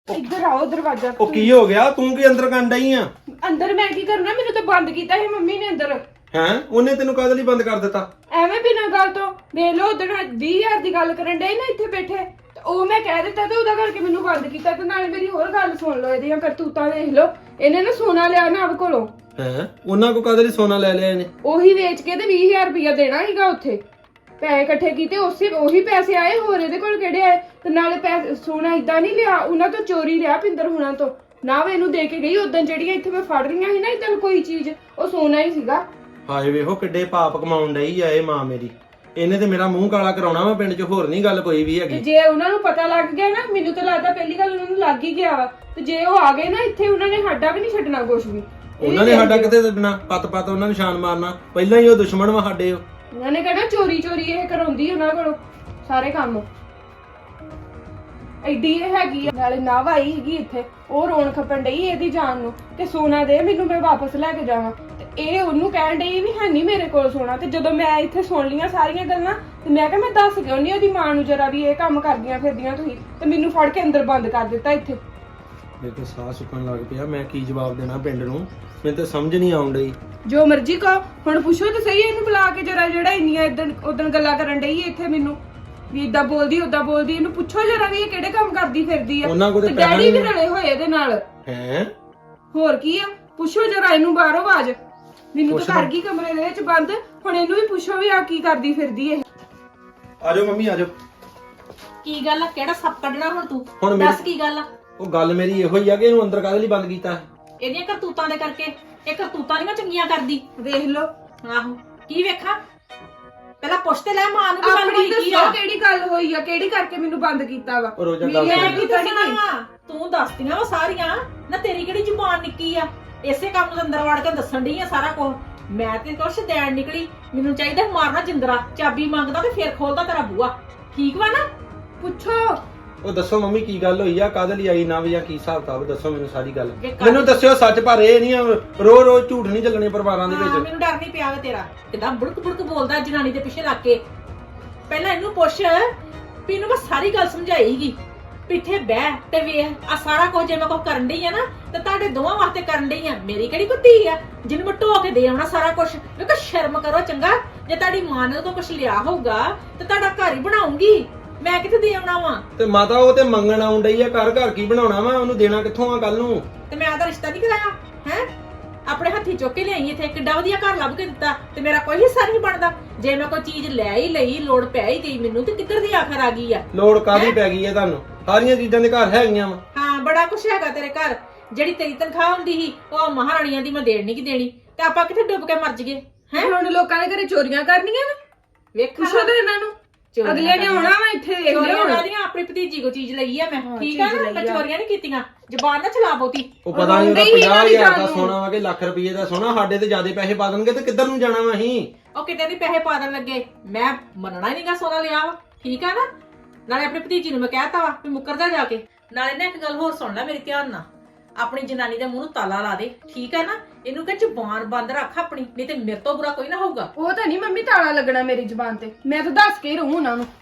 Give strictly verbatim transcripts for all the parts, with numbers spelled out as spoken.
ਇੱਧਰ ਆਓ ਦਰਵਾਜ਼ਾ ਉਹ ਕੀ ਹੋ ਗਿਆ? ਤੂੰ ਕੀ ਅੰਦਰ ਕੰਨ ਡਈ ਆ? ਅੰਦਰ ਮੈਂ ਕੀ ਕਰਨਾ? ਮੈਨੂੰ ਤਾਂ ਬੰਦ ਕੀਤਾ ਸੀ ਮੰਮੀ ਨੇ ਅੰਦਰ। ਹੈਂ? ਉਹਨੇ ਤੈਨੂੰ ਕਾਹਦੇ ਲਈ ਬੰਦ ਕਰ ਦਿੱਤਾ? ਐਵੇਂ ਬਿਨਾਂ ਗੱਲ ਤੋਂ ਵੇਖ ਲਓ ਉਦੋਂ ਵੀਹ ਹਜ਼ਾਰ ਦੀ ਗੱਲ ਕਰਨ ਡੇ ਨਾ ਇੱਥੇ ਬੈਠੇ, ਤੇ ਉਹ ਮੈਂ ਕਹਿ ਦਿੱਤਾ ਤੇ ਉਹਦਾ ਕਰਕੇ ਮੈਨੂੰ ਬੰਦ ਕੀਤਾ। ਤੇ ਨਾਲੇ ਮੇਰੀ ਹੋਰ ਗੱਲ ਸੁਣ ਲਓ, ਇਹਦੀਆਂ ਕਰਤੂਤਾਂ ਦੇਖ ਲਓ। ਇਹਨੇ ਨਾ ਸੋਨਾ ਲਿਆ ਨਾ ਆਪ ਕੋਲੋਂ। ਹੈਂ? ਉਹਨਾਂ ਕੋ ਕਾਹਦੇ ਲਈ ਸੋਨਾ ਲੈ ਲਿਆ ਇਹਨੇ? ਉਹੀ ਵੇਚ ਕੇ ਤੇ ਵੀਹ ਹਜ਼ਾਰ ਰੁਪਇਆ ਦੇਣਾ ਸੀਗਾ ਉੱਥੇ। ਪੈਸੇ ਇਕੱਠੇ ਕੀਤੇ, ਉਸੇ ਉਹੀ ਪੈਸੇ ਆਏ, ਹੋਰ ਇਹਦੇ ਕੋਲ ਕਿਹੜੇ ਆਏ? ਤੇ ਨਾਲੇ ਪੈਸੇ ਸੋਨਾ ਇਦਾਂ ਨਹੀਂ ਲਿਆ, ਉਹਨਾਂ ਤੋਂ ਚੋਰੀ ਲਿਆ ਪਿੰਦਰ ਹੁਣਾਂ ਤੋਂ। ਨਾ ਵੇ ਇਹਨੂੰ ਦੇ ਕੇ ਗਈ ਉਦੋਂ ਜਿਹੜੀਆਂ ਇੱਥੇ ਮੈਂ ਫੜ ਰਹੀਆਂ ਸੀ ਨਾ ਇਦਾਂ ਕੋਈ ਚੀਜ਼, ਉਹ ਸੋਨਾ ਹੀ ਸੀਗਾ। ਹਾਏ ਵੇਖੋ ਕਿੱਡੇ ਪਾਪ ਕਮਾਉਣ ਡਈ ਆ ਇਹ ਮਾਂ ਮੇਰੀ। ਇਹਨੇ ਤੇ ਮੇਰਾ ਮੂੰਹ ਕਾਲਾ ਕਰਾਉਣਾ ਵਾ ਪਿੰਡ 'ਚ, ਹੋਰ ਨਹੀਂ ਗੱਲ ਕੋਈ ਵੀ ਹੈਗੀ। ਜੇ ਉਹਨਾਂ ਨੂੰ ਪਤਾ ਲੱਗ ਗਿਆ ਨਾ, ਮੈਨੂੰ ਤਾਂ ਲੱਗਦਾ ਪਹਿਲੀ ਗੱਲ ਉਹਨਾਂ ਨੂੰ ਲੱਗ ਹੀ ਗਿਆ ਵਾ। ਤੇ ਜੇ ਉਹ ਆ ਗਏ ਨਾ ਇੱਥੇ, ਉਹਨਾਂ ਨੇ ਸਾਡਾ ਵੀ ਨਹੀਂ ਛੱਡਣਾ ਕੁਝ ਵੀ। ਉਹਨਾਂ ਨੇ ਸਾਡਾ ਕਿਤੇ ਛੱਡਣਾ? ਪੱਤ ਪੱਤ ਉਹਨਾਂ ਨੂੰ ਛਾਨ ਮਾਰਨਾ। ਪਹਿਲਾਂ ਹੀ ਉਹ ਦੁਸ਼ਮਣ ਵਾ ਸਾਡੇ। ਉਹ ਉਹਨਾਂ ਨੇ ਕਹਿਣਾ ਚੋਰੀ ਚੋਰੀ ਇਹ ਕਰਾਉਂਦੀ ਉਹਨਾਂ ਕੋਲੋਂ ਸਾਰੇ ਕੰਮ। ਐਡੀ ਇਹ ਹੈਗੀ ਆ, ਨਾਲੇ ਨਾਵ ਆਈ ਹੈਗੀ ਇੱਥੇ, ਉਹ ਰੋਣ ਖੱਪਣ ਡਈ ਇਹਦੀ ਜਾਨ ਨੂੰ। ਤੇ ਸੋਨਾ ਦੇ ਮੈਨੂੰ, ਮੈਂ ਵਾਪਸ ਲੈ ਕੇ ਜਾਵਾਂ। ਤੇ ਇਹ ਉਹਨੂੰ ਕਹਿਣ ਡਈ ਵੀ ਹੈ ਨਹੀਂ ਮੇਰੇ ਕੋਲ ਸੋਨਾ। ਤੇ ਜਦੋਂ ਮੈਂ ਇੱਥੇ ਸੁਣ ਲੀਆਂ ਸਾਰੀਆਂ ਗੱਲਾਂ, ਤੇ ਮੈਂ ਕਿਹਾ ਮੈਂ ਦੱਸ ਕਿਉਂ ਨਹੀਂ ਉਹਦੀ ਮਾਂ ਨੂੰ ਜਰਾ ਵੀ ਇਹ ਕੰਮ ਕਰਦੀਆਂ ਫਿਰਦੀਆਂ ਤੁਸੀਂ। ਤੇ ਮੈਨੂੰ ਫੜ ਕੇ ਅੰਦਰ ਬੰਦ ਕਰ ਦਿੱਤਾ ਇੱਥੇ। ਮੇਰੇ ਤੋਂ ਸਾਹ ਸੁੱਕਣ ਲੱਗ ਪਿਆ। ਮੈਂ ਕੀ ਜਵਾਬ ਦੇਣਾ ਪਿੰਡ ਨੂੰ? ਮੈਨੂੰ ਤਾਂ ਸਮਝ ਨਹੀਂ ਆਉਣ ਡਈ। ਜੋ ਮਰਜ਼ੀ ਕਹੋ, ਹੁਣ ਪੁੱਛੋ ਤੇ ਸਹੀ ਇਹਨੂੰ ਬੁਲਾ ਕੇ ਜਰਾ, ਜਿਹੜਾ ਇੰਨੀਆਂ ਇਦਾਂ ਉਦੋਂ ਗੱਲਾਂ ਕਰਨ ਡਈ ਇੱਥੇ ਮੈਨੂੰ ਵੀ ਇਦਾਂ ਬੋਲਦੀ ਉਦਾਂ ਬੋਲਦੀ। ਇਹਨੂੰ ਪੁੱਛੋ ਜਰਾ ਵੀ ਇਹ ਕਿਹੜੇ ਕੰਮ ਕਰਦੀ ਫਿਰਦੀ ਆ। ਉਹਨਾਂ ਕੋਲ ਤੇ ਡੈਡੀ ਵੀ ਰਲੇ ਹੋਏ ਇਹਦੇ ਨਾਲ। ਹੈ ਹੋਰ ਕੀ ਆ? ਪੁੱਛੋ ਜਰਾ ਇਹਨੂੰ ਬਾਹਰੋਂ ਆਵਾਜ਼। ਮੈਨੂੰ ਤਾਂ ਕਰ ਗਈ ਕਮਰੇ ਦੇ ਵਿੱਚ ਬੰਦ। ਹੁਣ ਇਹਨੂੰ ਵੀ ਪੁੱਛੋ ਵੀ ਆ ਕੀ ਕਰਦੀ ਫਿਰਦੀ ਇਹ। ਆਜੋ ਮੰਮੀ ਆਜੋ। ਕੀ ਗੱਲ ਆ? ਕਿਹੜਾ ਸੱਪ ਕੱਢਣਾ ਹੁਣ ਤੂੰ? ਹੁਣ ਦੱਸ ਕੀ ਗੱਲ ਆ? ਉਹ ਗੱਲ ਮੇਰੀ ਇਹੋ ਹੀ ਆ ਕਿ ਇਹਨੂੰ ਅੰਦਰ ਕਾਹਦੇ ਲਈ ਬੰਦ ਕੀਤਾ? ਇਹਦੀਆਂ ਕਰਤੂਤਾਂ ਦੇ ਕਰਕੇ। ਇਹ ਕਰਤੂਤਾਂ ਨਹੀਂ ਚੰਗੀਆਂ ਕਰਦੀ। ਵੇਖ ਲਓ। ਆਹੋ, ਕੀ ਵੇਖਾਂ? ਪਹਿਲਾਂ ਪੁੱਛ ਤੇ ਲੈ ਮਾਂ ਨੂੰ, ਗੱਲ ਆਪਣੀ ਹੋਈ ਕੀ ਆ? ਦੱਸੋ ਕਿਹੜੀ ਗੱਲ ਹੋਈ ਆ, ਕਿਹੜੀ ਕਰਕੇ ਮੈਨੂੰ ਬੰਦ ਕੀਤਾ ਵਾ? ਉਹ ਰੋਜ਼ਾ ਗੱਲ ਮੈਂ ਸੁਣ। ਕੀ ਦੱਸਣਾ ਵਾ? ਤੂੰ ਦੱਸਦੀਆਂ ਵਾ ਸਾਰੀਆਂ ਨਾ। ਤੇਰੀ ਕਿਹੜੀ ਜ਼ੁਬਾਨ ਨਿੱਕੀ ਆ? ਇਸੇ ਕੰਮ ਨੂੰ ਅੰਦਰ ਵੜ ਕੇ ਦੱਸਣ ਡਈ ਆ ਸਾਰਾ ਕੁਝ। ਮੈਂ ਤੇ ਕੁਛ ਦੇਣ ਨਿਕਲੀ। ਮੈਨੂੰ ਚਾਹੀਦਾ ਮਾਰਨਾ ਜਿੰਦਰਾ। ਚਾਬੀ ਮੰਗਦਾ ਤੇ ਫੇਰ ਖੋਲਦਾ ਤੇਰਾ ਬੂਆ। ਠੀਕ ਵਾ ਨਾ? ਪੁੱਛੋ। ਉਹ ਦੱਸੋ ਮੰਮੀ ਕੀ ਗੱਲ ਹੋਈ ਆ? ਕਾਹਦੇ ਲਈ ਆਈ ਨਾ ਵੀ ਜਾਂ ਕੀ ਹਿਸਾਬ ਕਿਤਾਬ? ਦੱਸੋ ਮੈਨੂੰ ਸਾਰੀ ਗੱਲ। ਜੇ ਕਾਹਦੀ- ਮੈਨੂੰ ਦੱਸਿਓ ਸੱਚ, ਪਰ ਇਹ ਨਹੀਂ ਰੋ ਰੋ ਝੂਠ ਨਹੀਂ ਚੱਲਣੇ ਪਰਿਵਾਰਾਂ ਦੇ ਹਾਂ, ਵਿੱਚ। ਮੈਨੂੰ ਡਰ ਨਹੀਂ ਪਿਆ ਵਾ ਤੇਰਾ। ਕਿਦਾਂ ਬੁੜਕ ਬੁੜਕ ਬੋਲਦਾ ਜਨਾਨੀ ਦੇ ਪਿੱਛੇ ਲੱਗ ਕੇ। ਪਹਿਲਾਂ ਇਹਨੂੰ ਪੁੱਛ ਵੀ ਇਹਨੂੰ ਮੈਂ ਸਾਰੀ ਗੱਲ ਸਮਝਾਈ ਸੀਗੀ। ਪਿੱਠੇ ਬਹਿ ਤੇ ਵੇਖ ਆ ਸਾਰਾ ਕੁਝ ਜੇ ਮੈਂ ਕੁਝ ਕਰਨ ਡਈ ਆ ਨਾ, ਤੇ ਤੁਹਾਡੇ ਦੋਵਾਂ ਵਾਸਤੇ ਕਰਨ ਡਈ ਆ। ਮੇਰੀ ਕਿਹੜੀ ਕੋਈ ਧੀ ਆ ਜਿਹਨੂੰ ਮੈਂ ਢੋ ਕੇ ਦੇ ਆਉਣਾ ਸਾਰਾ ਕੁਝ? ਵੇਖੋ ਸ਼ਰਮ ਕਰੋ ਚੰਗਾ। ਜੇ ਤੁਹਾਡੀ ਮਾਂ ਨੇ ਉਹ ਕੁਝ ਲਿਆ ਹੋਊਗਾ ਤੇ ਤੁਹਾਡਾ ਘਰ ਹੀ ਬਣਾਉਂਗੀ। ਮੈਂ ਕਿੱਥੇ ਦੇ ਆਉਣਾ ਵਾ? ਤੇ ਮਾਤਾ ਉਹ ਤੇ ਮੰਗਣ ਆਉਣ ਡਈ ਆ। ਘਰ ਘਰ ਕੀ ਬਣਾਉਣਾ ਵਾ? ਉਹਨੂੰ ਦੇਣਾ ਕਿੱਥੋਂ ਆ ਕੱਲ ਨੂੰ? ਤੇ ਮੈਂ ਆਦਾ ਰਿਸ਼ਤਾ ਨਹੀਂ ਕਰਾਇਆ ਹੈ? ਆਪਣੇ ਹੱਥੀ ਚੁੱਕ ਕੇ ਲਿਆਈ ਇੱਥੇ, ਕਿੱਡਾ ਵਧੀਆ ਘਰ ਲੱਭ ਕੇ ਦਿੱਤਾ। ਤੇ ਮੇਰਾ ਕੋਈ ਹਿੱਸਾ ਨਹੀਂ ਬਣਦਾ? ਜੇ ਮੈਂ ਕੋਈ ਚੀਜ਼ ਲੈ ਹੀ ਲਈ, ਲੋੜ ਪੈ ਹੀ ਗਈ ਮੈਨੂੰ, ਤੇ ਕਿੱਧਰ ਦੀ ਆਖਰ ਆ ਗਈ ਆ? ਲੋੜ ਕਾਹਦੀ ਪੈ ਗਈ ਹੈ ਤੁਹਾਨੂੰ? ਸਾਰੀਆਂ ਚੀਜ਼ਾਂ ਦੇ ਘਰ ਹੈਗੀਆਂ ਵਾ। ਹਾਂ, ਬੜਾ ਕੁਛ ਹੈਗਾ ਤੇਰੇ ਘਰ। ਜਿਹੜੀ ਤੇਰੀ ਤਨਖਾਹ ਹੁੰਦੀ ਸੀ ਉਹ ਮਹਾਰਾਣੀਆਂ ਦੀ ਮੈਂ ਦੇਣ ਨਹੀਂ ਕਿ ਦੇਣੀ। ਤੇ ਆਪਾਂ ਕਿੱਥੇ ਡੁੱਬ ਕੇ ਮਰ ਜਗੇ ਹੈ? ਹੁਣ ਲੋਕਾਂ ਦੇ ਘਰੇ ਚੋਰੀਆਂ ਕਰਨੀਆਂ ਨਾ। ਵੇਖੋ ਪੁੱਛੋ ਤੇ ਇਹਨਾਂ ਨੂੰ। ਅਗਲੇ ਨੇ ਆਉਣਾ ਵਾ ਇੱਥੇ, ਦੇਖ ਲਿਓ ਹੁਣ। ਚੋਰੀਆਂ ਆਪਣੀ ਭਤੀਜੀ ਕੋ ਚੀਜ਼ ਲਈ ਆ ਮੈਂ। ਹਾਂ, ਠੀਕ ਆ ਚੀਜ਼ ਨਾ? ਲਈ ਮੈਂ ਆ। ਚੋਰੀਆਂ ਨਹੀਂ ਕੀਤੀਆਂ। ਜ਼ਬਾਨ ਨਾ ਚਲਾ ਬਹੁਤੀ। ਉਹ ਪਤਾ ਨਹੀਂ ਉਹਦਾ ਰੋਂਦੇ ਹੀ ਇਹਨਾਂ ਪੰਜਾਹ ਦੀ ਹਜ਼ਾਰ ਦਾ ਗੱਲ ਨੂੰ। ਸੋਨਾ ਵਾ ਕਿ ਲੱਖ ਰੁਪਏ ਦਾ ਸੋਨਾ। ਸਾਡੇ ਤੇ ਜ਼ਿਆਦਾ ਪੈਸੇ ਪਾ ਦੇਣਗੇ ਤੇ ਕਿੱਧਰ ਨੂੰ ਜਾਣਾ ਵਾ ਅਸੀਂ? ਉਹ ਕਿਤੇ ਦੀ ਪੈਸੇ ਪਾ ਦੇਣ ਲੱਗੇ। ਮੈਂ ਮੰਨਣਾ ਹੀ ਨਹੀਂਗਾ ਸੋਨਾ ਲਿਆ ਵਾ। ਠੀਕ ਆ ਨਾ? ਨਾਲੇ ਆਪਣੀ ਭਤੀਜੀ ਨੂੰ ਮੈਂ ਕਹਿਤਾ ਵਾ ਵੀ ਮੁੱਕਰ ਜਾ ਜਾ ਕੇ। ਨਾਲੇ ਨਾ ਇੱਕ ਗੱਲ ਹੋਰ ਸੁਣ ਲੈ ਮੇਰੀ ਧਿਆਨ ਨਾਲ। ਆਪਣੀ ਜਨਾਨੀ ਦੇ ਮੂੰਹ ਨੂੰ ਤਾਲਾ ਲਾ ਦੇ। ਠੀਕ ਹੈ ਨਾ? ਇਹਨੂੰ ਕਹ ਜ਼ੁਬਾਨ ਬੰਦ ਰੱਖ ਆਪਣੀ, ਨਹੀਂ ਤੇ ਮੇਰੇ ਤੋਂ ਬੁਰਾ ਕੋਈ ਨਾ ਹੋਊਗਾ। ਉਹ ਤਾਂ ਨਹੀਂ ਮੰਮੀ ਤਾਲਾ ਲੱਗਣਾ ਮੇਰੀ ਜ਼ੁਬਾਨ ਤੇ। ਮੈਂ ਤਾਂ ਦੱਸ ਕੇ ਹੀ ਰਹੂੰ ਉਹਨਾਂ ਨੂੰ।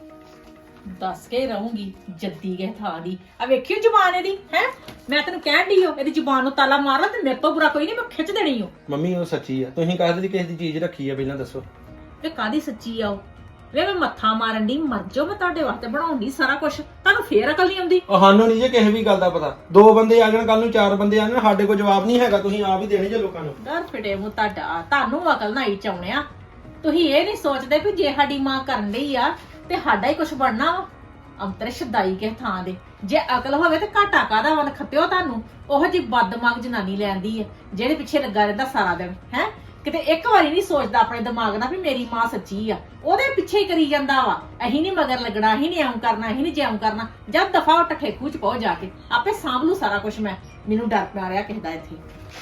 ਦੱਸ ਕੇ ਰਹੂੰਗੀ ਜੱਦੀ ਕੇ ਥਾਂ ਦੀ। ਆ ਵੇਖਿਓ ਜ਼ੁਬਾਨ ਇਹਦੀ ਹੈ। ਮੈਂ ਤੈਨੂੰ ਕਹਿਣ ਡਈ ਹੋ ਇਹਦੀ ਜ਼ੁਬਾਨ ਨੂੰ ਤਾਲਾ ਮਾਰ ਲਾ, ਤੇ ਮੇਰੇ ਤੋਂ ਬੁਰਾ ਕੋਈ ਨਹੀਂ। ਮੈਂ ਖਿੱਚ ਦੇਣੀ ਹੋ। ਮੰਮੀ ਉਹ ਸੱਚੀ ਆ। ਤੁਸੀਂ ਕਾਹਦੇ ਦੀ ਕਿਸੇ ਦੀ ਚੀਜ਼ ਰੱਖੀ ਆ ਪਹਿਲਾਂ ਦੱਸੋ? ਵੇ ਕਾਦੀ ਸੱਚੀ ਆ ਉਹ? ਵੇ ਮੈਂ ਮੱਥਾ ਮਾਰਨ ਦੀ ਮਰ ਜਾਓ। ਮੈਂ ਤੁਹਾਡੇ ਵਾਸਤੇ ਬਣਾਉਂਦੀ ਸਾਰਾ ਕੁਝ। ਤੁਹਾਨੂੰ ਫੇਰ ਅਕਲ ਨਹੀਂ ਆਉਂਦੀ? ਉਹ ਸਾਨੂੰ ਨਹੀਂ ਜੇ ਕਿਸੇ ਵੀ ਗੱਲ ਦਾ ਪਤਾ। ਦੋ ਬੰਦੇ ਆ ਜਾਣ ਕੱਲ ਨੂੰ, ਚਾਰ ਬੰਦੇ ਆ ਜਾਣ, ਸਾਡੇ ਕੋਲ ਜਵਾਬ ਨਹੀਂ ਹੈਗਾ। ਤੁਸੀਂ ਆਪ ਹੀ ਦੇਣੇ ਜੇ ਲੋਕਾਂ ਨੂੰ। ਡਰ ਫਿਟੇ ਮੂੰਹ ਤੁਹਾਡਾ। ਤੁਹਾਨੂੰ ਅਕਲ ਨਾ ਹੀ ਚਾਉਣਿਆ। ਤੁਸੀਂ ਇਹ ਨਹੀਂ ਸੋਚਦੇ ਕਿ ਜੇ ਸਾਡੀ ਮਾਂ ਕਰਨ ਡਈ ਆ ਤੇ ਸਾਡਾ ਹੀ ਕੁਝ ਬਣਨਾ ਵਾ। ਅੰਤਰ ਸ਼ਦਾਈ ਕੇ ਥਾਂ ਦੇ। ਜੇ ਅਕਲ ਹੋਵੇ ਤੇ ਘਾਟਾ ਕਾਦਾ ਵਨ ਖੱਤਿਓ ਤੁਹਾਨੂੰ। ਉਹੋ ਜੀ ਬਦਦਮਾਗ ਜਨਾਨੀ ਲੈਂਦੀ ਹੈ ਜਿਹੜੇ ਪਿੱਛੇ ਲੱਗਾ ਰਹਿੰਦਾ ਸਾਰਾ ਦਿਨ ਹੈ। ਕਿਤੇ ਇੱਕ ਵਾਰੀ ਨਹੀਂ ਸੋਚਦਾ ਆਪਣੇ ਦਿਮਾਗ ਨਾਲ ਵੀ ਮੇਰੀ ਮਾਂ ਸੱਚੀ ਆ। ਉਹਦੇ ਪਿੱਛੇ ਹੀ ਕਰੀ ਜਾਂਦਾ ਵਾ। ਅਹੀਂ ਨਹੀਂ ਮਗਰ ਲੱਗਣਾ, ਅਹੀਂ ਨਹੀਂ ਐਂ ਕਰਨਾ, ਅਹੀਂ ਨਹੀਂ ਜਿਉਂ ਕਰਨਾ। ਜਦ ਦਫਾ ਉੱਠ ਠੇਕੂ ਚ ਪਹੁੰਚ ਜਾ ਕੇ ਆਪੇ ਸਾਂਭ ਲੂ ਸਾਰਾ ਕੁਝ ਮੈਂ। ਮੈਨੂੰ ਡਰ ਪਿਆ ਰਿਹਾ ਕਿਸੇ ਦਾ ਇੱਥੇ।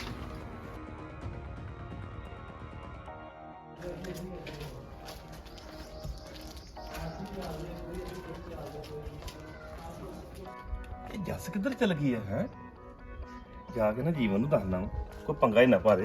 ਜੱਸ ਕਿੱਧਰ ਚਲ ਗਈ ਹੈ ਹੈ? ਜਾ ਕੇ ਨਾ ਜੀਵਨ ਨੂੰ ਦੱਸਣਾ ਕੋਈ ਪੰਗਾ ਹੀ ਨਾ ਪਾਰੇ।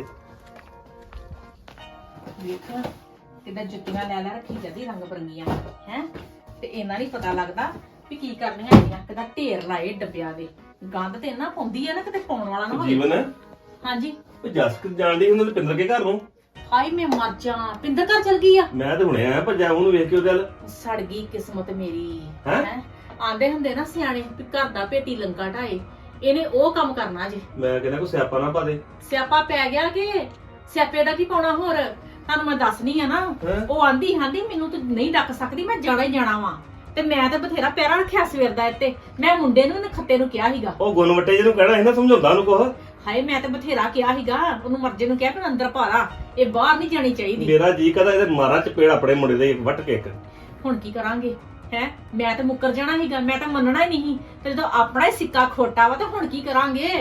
ਵੇਖ ਕਿੱਦਾਂ ਜੁੱਤੀਆਂ ਲੈ ਲੈ ਰੱਖੀ ਜਾਂਦੀ ਰੰਗ ਬਰੰਗੀਆਂ ਹੈ। ਤੇ ਇਹਨਾਂ ਨਹੀਂ ਪਤਾ ਲੱਗਦਾ ਵੀ ਕੀ ਕਰਨੀਆਂ ਹੈਗੀਆਂ। ਕਿੱਦਾਂ ਢੇਰ ਲਾਏ ਡੱਬਿਆਂ ਦੇ। ਗੰਦ ਤੇ ਨਾ ਪਾਉਂਦੀ ਆ ਨਾ ਕਿਤੇ ਪਾਉਣ ਵਾਲਾ ਨਾ ਹੋਵੇ। ਜੀਵਨ ਹਾਂਜੀ। ਉਹ ਜਸ ਕਿ ਜਾਣਦੀ ਉਹਨਾਂ ਦੇ ਪਿੰਦਰ ਕੇ ਘਰ ਨੂੰ। ਹਾਏ ਮੈਂ ਮਰ ਜਾ, ਪਿੰਦਰ ਘਰ ਚਲ ਗਈ ਆ। ਮੈਂ ਤੇ ਹੁਣੇ ਆਇਆ ਭੱਜਾ ਉਹਨੂੰ ਵੇਖ ਕੇ ਉਹ ਗੱਲ। ਸੜ ਗਈ ਕਿਸਮਤ ਮੇਰੀ। ਹੈਂ? ਹੈਂ? ਆਂਦੇ ਹੁੰਦੇ ਨਾ ਸਿਆਣੇ ਵੀ ਘਰ ਦਾ ਭੇਟੀ ਲੰਗਾ ਢਾਏ, ਇਹਨੇ ਉਹ ਕੰਮ ਕਰਨਾ ਜੇ। ਮੈਂ ਕਹਿੰਦਾ ਕੋਈ ਸਿਆਪਾ ਨਾ ਪਾ ਦੇ। ਸਿਆਪਾ ਪੈ ਗਿਆ ਕਿ ਸਿਆਪੇ ਦਾ ਕੀ ਪਾਉਣਾ ਹੋਰ। ਤੁਹਾਨੂੰ ਮੈਂ ਦੱਸਣੀ ਆ ਨਾ, ਹੈਂ? ਉਹ ਆਂਦੀ ਆਂਦੀ ਮੈਨੂੰ ਤੂੰ ਨਹੀਂ ਰੱਖ ਸਕਦੀ, ਮੈਂ ਜਾਣਾ ਹੀ ਜਾਣਾ ਵਾ। ਤੇ ਮੈਂ ਤੇ ਬਥੇਰਾ ਪੈਰਾ ਰੱਖਿਆ ਸਵੇਰ ਦਾ ਇੱਥੇ। ਮੈਂ ਮੁੰਡੇ ਨੂੰ ਨੇ ਖੱਤੇ ਨੂੰ ਕਿਹਾ ਸੀਗਾ, ਉਹ ਗੁਣ ਵੱਟੇ ਜਿਹਨੂੰ ਕਹਿਣਾ ਸੀ ਨਾ, ਸਮਝਾਉਂਦਾ ਉਹਨੂੰ ਕੁਛ। ਹਾਏ ਮੈਂ ਤੇ ਬਥੇਰਾ ਕਿਹਾ ਸੀਗਾ ਉਹਨੂੰ, ਮਰਜੇ ਨੂੰ ਕਿਹਾ ਕਿ ਅੰਦਰ ਭਾਰਾ, ਇਹ ਬਾਹਰ ਨਹੀਂ ਜਾਣੀ ਚਾਹੀਦੀ। ਮੇਰਾ ਜੀ ਕਹਦਾ ਇਹਦੇ ਮਾਰਾ ਚਪੇੜ ਆਪਣੇ ਮੁੰਡੇ ਦੇ ਵੱਟ ਕੇ ਇੱਕ। ਹੁਣ ਕੀ ਕਰਾਂਗੇ ਹੈ? ਮੈਂ ਤਾਂ ਮੁੱਕਰ ਜਾਣਾ ਸੀਗਾ, ਮੈਂ ਤਾਂ ਮੰਨਣਾ ਹੀ ਨਹੀਂ। ਤੇ ਜਦੋਂ ਆਪਣਾ ਹੀ ਸਿੱਕਾ ਖੋਟਾ ਵਾ ਤਾਂ ਹੁਣ ਕੀ ਕਰਾਂਗੇ?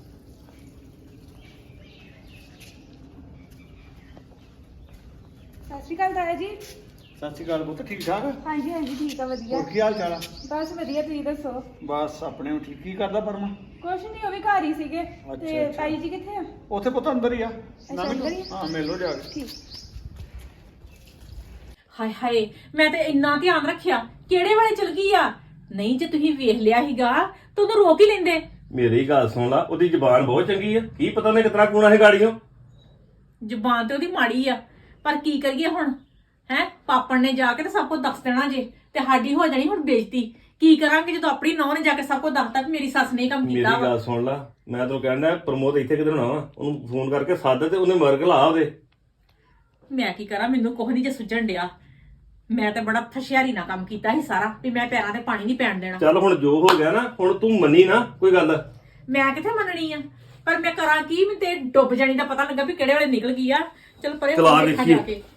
ਸਤਿ ਸ਼੍ਰੀ ਅਕਾਲ ਤਾਇਆ ਜੀ। ਸਤਿ ਸ਼੍ਰੀ ਅਕਾਲ ਪੁੱਤ, ਠੀਕ ਠਾਕ? ਹਾਂਜੀ ਹਾਂਜੀ ਠੀਕ ਆ, ਵਧੀਆ। ਹੋਰ ਕੀ ਹਾਲ ਚਾਲ ਆ? ਬਸ ਵਧੀਆ, ਤੁਸੀਂ ਦੱਸੋ। ਬਸ ਆਪਣੇ ਨੂੰ ਠੀਕ। ਕੀ ਕਰਦਾ ਪਰਮਾ? ਕੁਛ ਨਹੀਂ, ਉਹ ਵੀ ਘਰ ਹੀ ਸੀਗੇ। ਅੱਛਾ, ਤੇ ਅੱਛਾ। ਤਾਈ ਜੀ ਕਿੱਥੇ ਆ? ਉੱਥੇ ਪੁੱਤ ਅੰਦਰ ਹੀ ਆ। ਅੱਛਾ, ਨਾ ਅੰਦਰ ਹੀ ਆ? ਹਾਂ, ਮਿਲ ਲੋ ਜਾ ਕੇ। ਠੀਕ। ਹਾਏ ਹਾਏ, ਮੈਂ ਤੇ ਇੰਨਾ ਧਿਆਨ ਰੱਖਿਆ, ਕਿਹੜੇ ਵੇਲੇ ਚਲ ਗਈ ਆ। ਨਹੀਂ ਜੇ ਤੁਸੀਂ ਵੇਖ ਲਿਆ ਸੀਗਾ ਤਾਂ ਉਹਨੂੰ ਰੋਕ ਹੀ ਲੈਂਦੇ। ਮੇਰੀ ਗੱਲ ਸੁਣ ਲਾ, ਉਹਦੀ ਜ਼ਬਾਨ ਬਹੁਤ ਚੰਗੀ ਆ। ਕੀ ਪਤਾ ਨੇ ਕਿਤਨਾ ਕੂਣਾ ਹੈ ਗਾੜੀਆਂ। ਜ਼ੁਬਾਨ ਤੇ ਉਹਦੀ ਮਾੜੀ ਆ, ਪਰ ਕੀ ਕਰੀਏ ਹੁਣ ਹੈ? ਪਾਪਣ ਨੇ ਜਾ ਕੇ ਤੇ ਸਭ ਕੁਝ ਦੱਸ ਦੇਣਾ ਜੇ, ਤੇ ਸਾਡੀ ਹੋ ਜਾਣੀ ਹੁਣ ਬੇਇੱਜ਼ਤੀ। ਕੀ ਕਰਾਂਗੇ ਜਦੋਂ ਆਪਣੀ ਨੌਂ ਨੇ ਜਾ ਕੇ ਸਭ ਕੁਝ ਦੱਸਤਾ ਕਿ ਮੇਰੀ ਸੱਸ ਨੇ ਇਹ ਕੰਮ ਮੇਰੀ ਕੀਤਾ ਵਾ। ਗੱਲ ਸੁਣ ਲਾ, ਮੈਂ ਤੈਨੂੰ ਕਹਿੰਦਾ ਪ੍ਰਮੋਦ ਇੱਥੇ ਕਿਧਰ ਹੋਣਾ ਵਾ, ਉਹਨੂੰ ਫੋਨ ਕਰਕੇ ਸੱਦ ਤੇ ਉਹਨੇ ਮਰਗ ਲਾ ਉਹਦੇ। ਮੈਂ ਕੀ ਕਰਾਂ, ਮੈਨੂੰ ਕੁਝ ਨਹੀਂ ਜੇ ਸੁਝਣ ਡਿਆ। ਮੈਂ ਤਾਂ ਬੜਾ ਫਸ਼ਿਆਰੀ ਨਾਲ ਕੰਮ ਕੀਤਾ ਸੀ ਸਾਰਾ, ਵੀ ਮੈਂ ਪੈਰਾਂ ਤੇ ਪਾਣੀ ਨਹੀਂ ਪੈਣ ਦੇਣਾ। ਚੱਲ ਹੁਣ ਜੋ ਹੋ ਗਿਆ ਨਾ, ਹੁਣ ਤੂੰ ਮੰਨੀ ਨਾ ਕੋਈ ਗੱਲ। ਮੈਂ ਕਿੱਥੇ ਮੰਨਣੀ ਆ, ਪਰ ਮੈਂ ਕਰਾਂ ਕੀ? ਮੈਨੂੰ ਤੇ ਡੁੱਬ ਜਾਣੀ ਦਾ ਪਤਾ ਲੱਗਾ ਵੀ ਕਿਹੜੇ ਵੇਲੇ ਨਿਕਲ ਗਈ ਆ। ਚਲ ਪਰੇ ਚਲਾ ਹੁਣ ਦੇਖਾਂ ਜਾ ਦੇਖੀਏ। ਕੇ।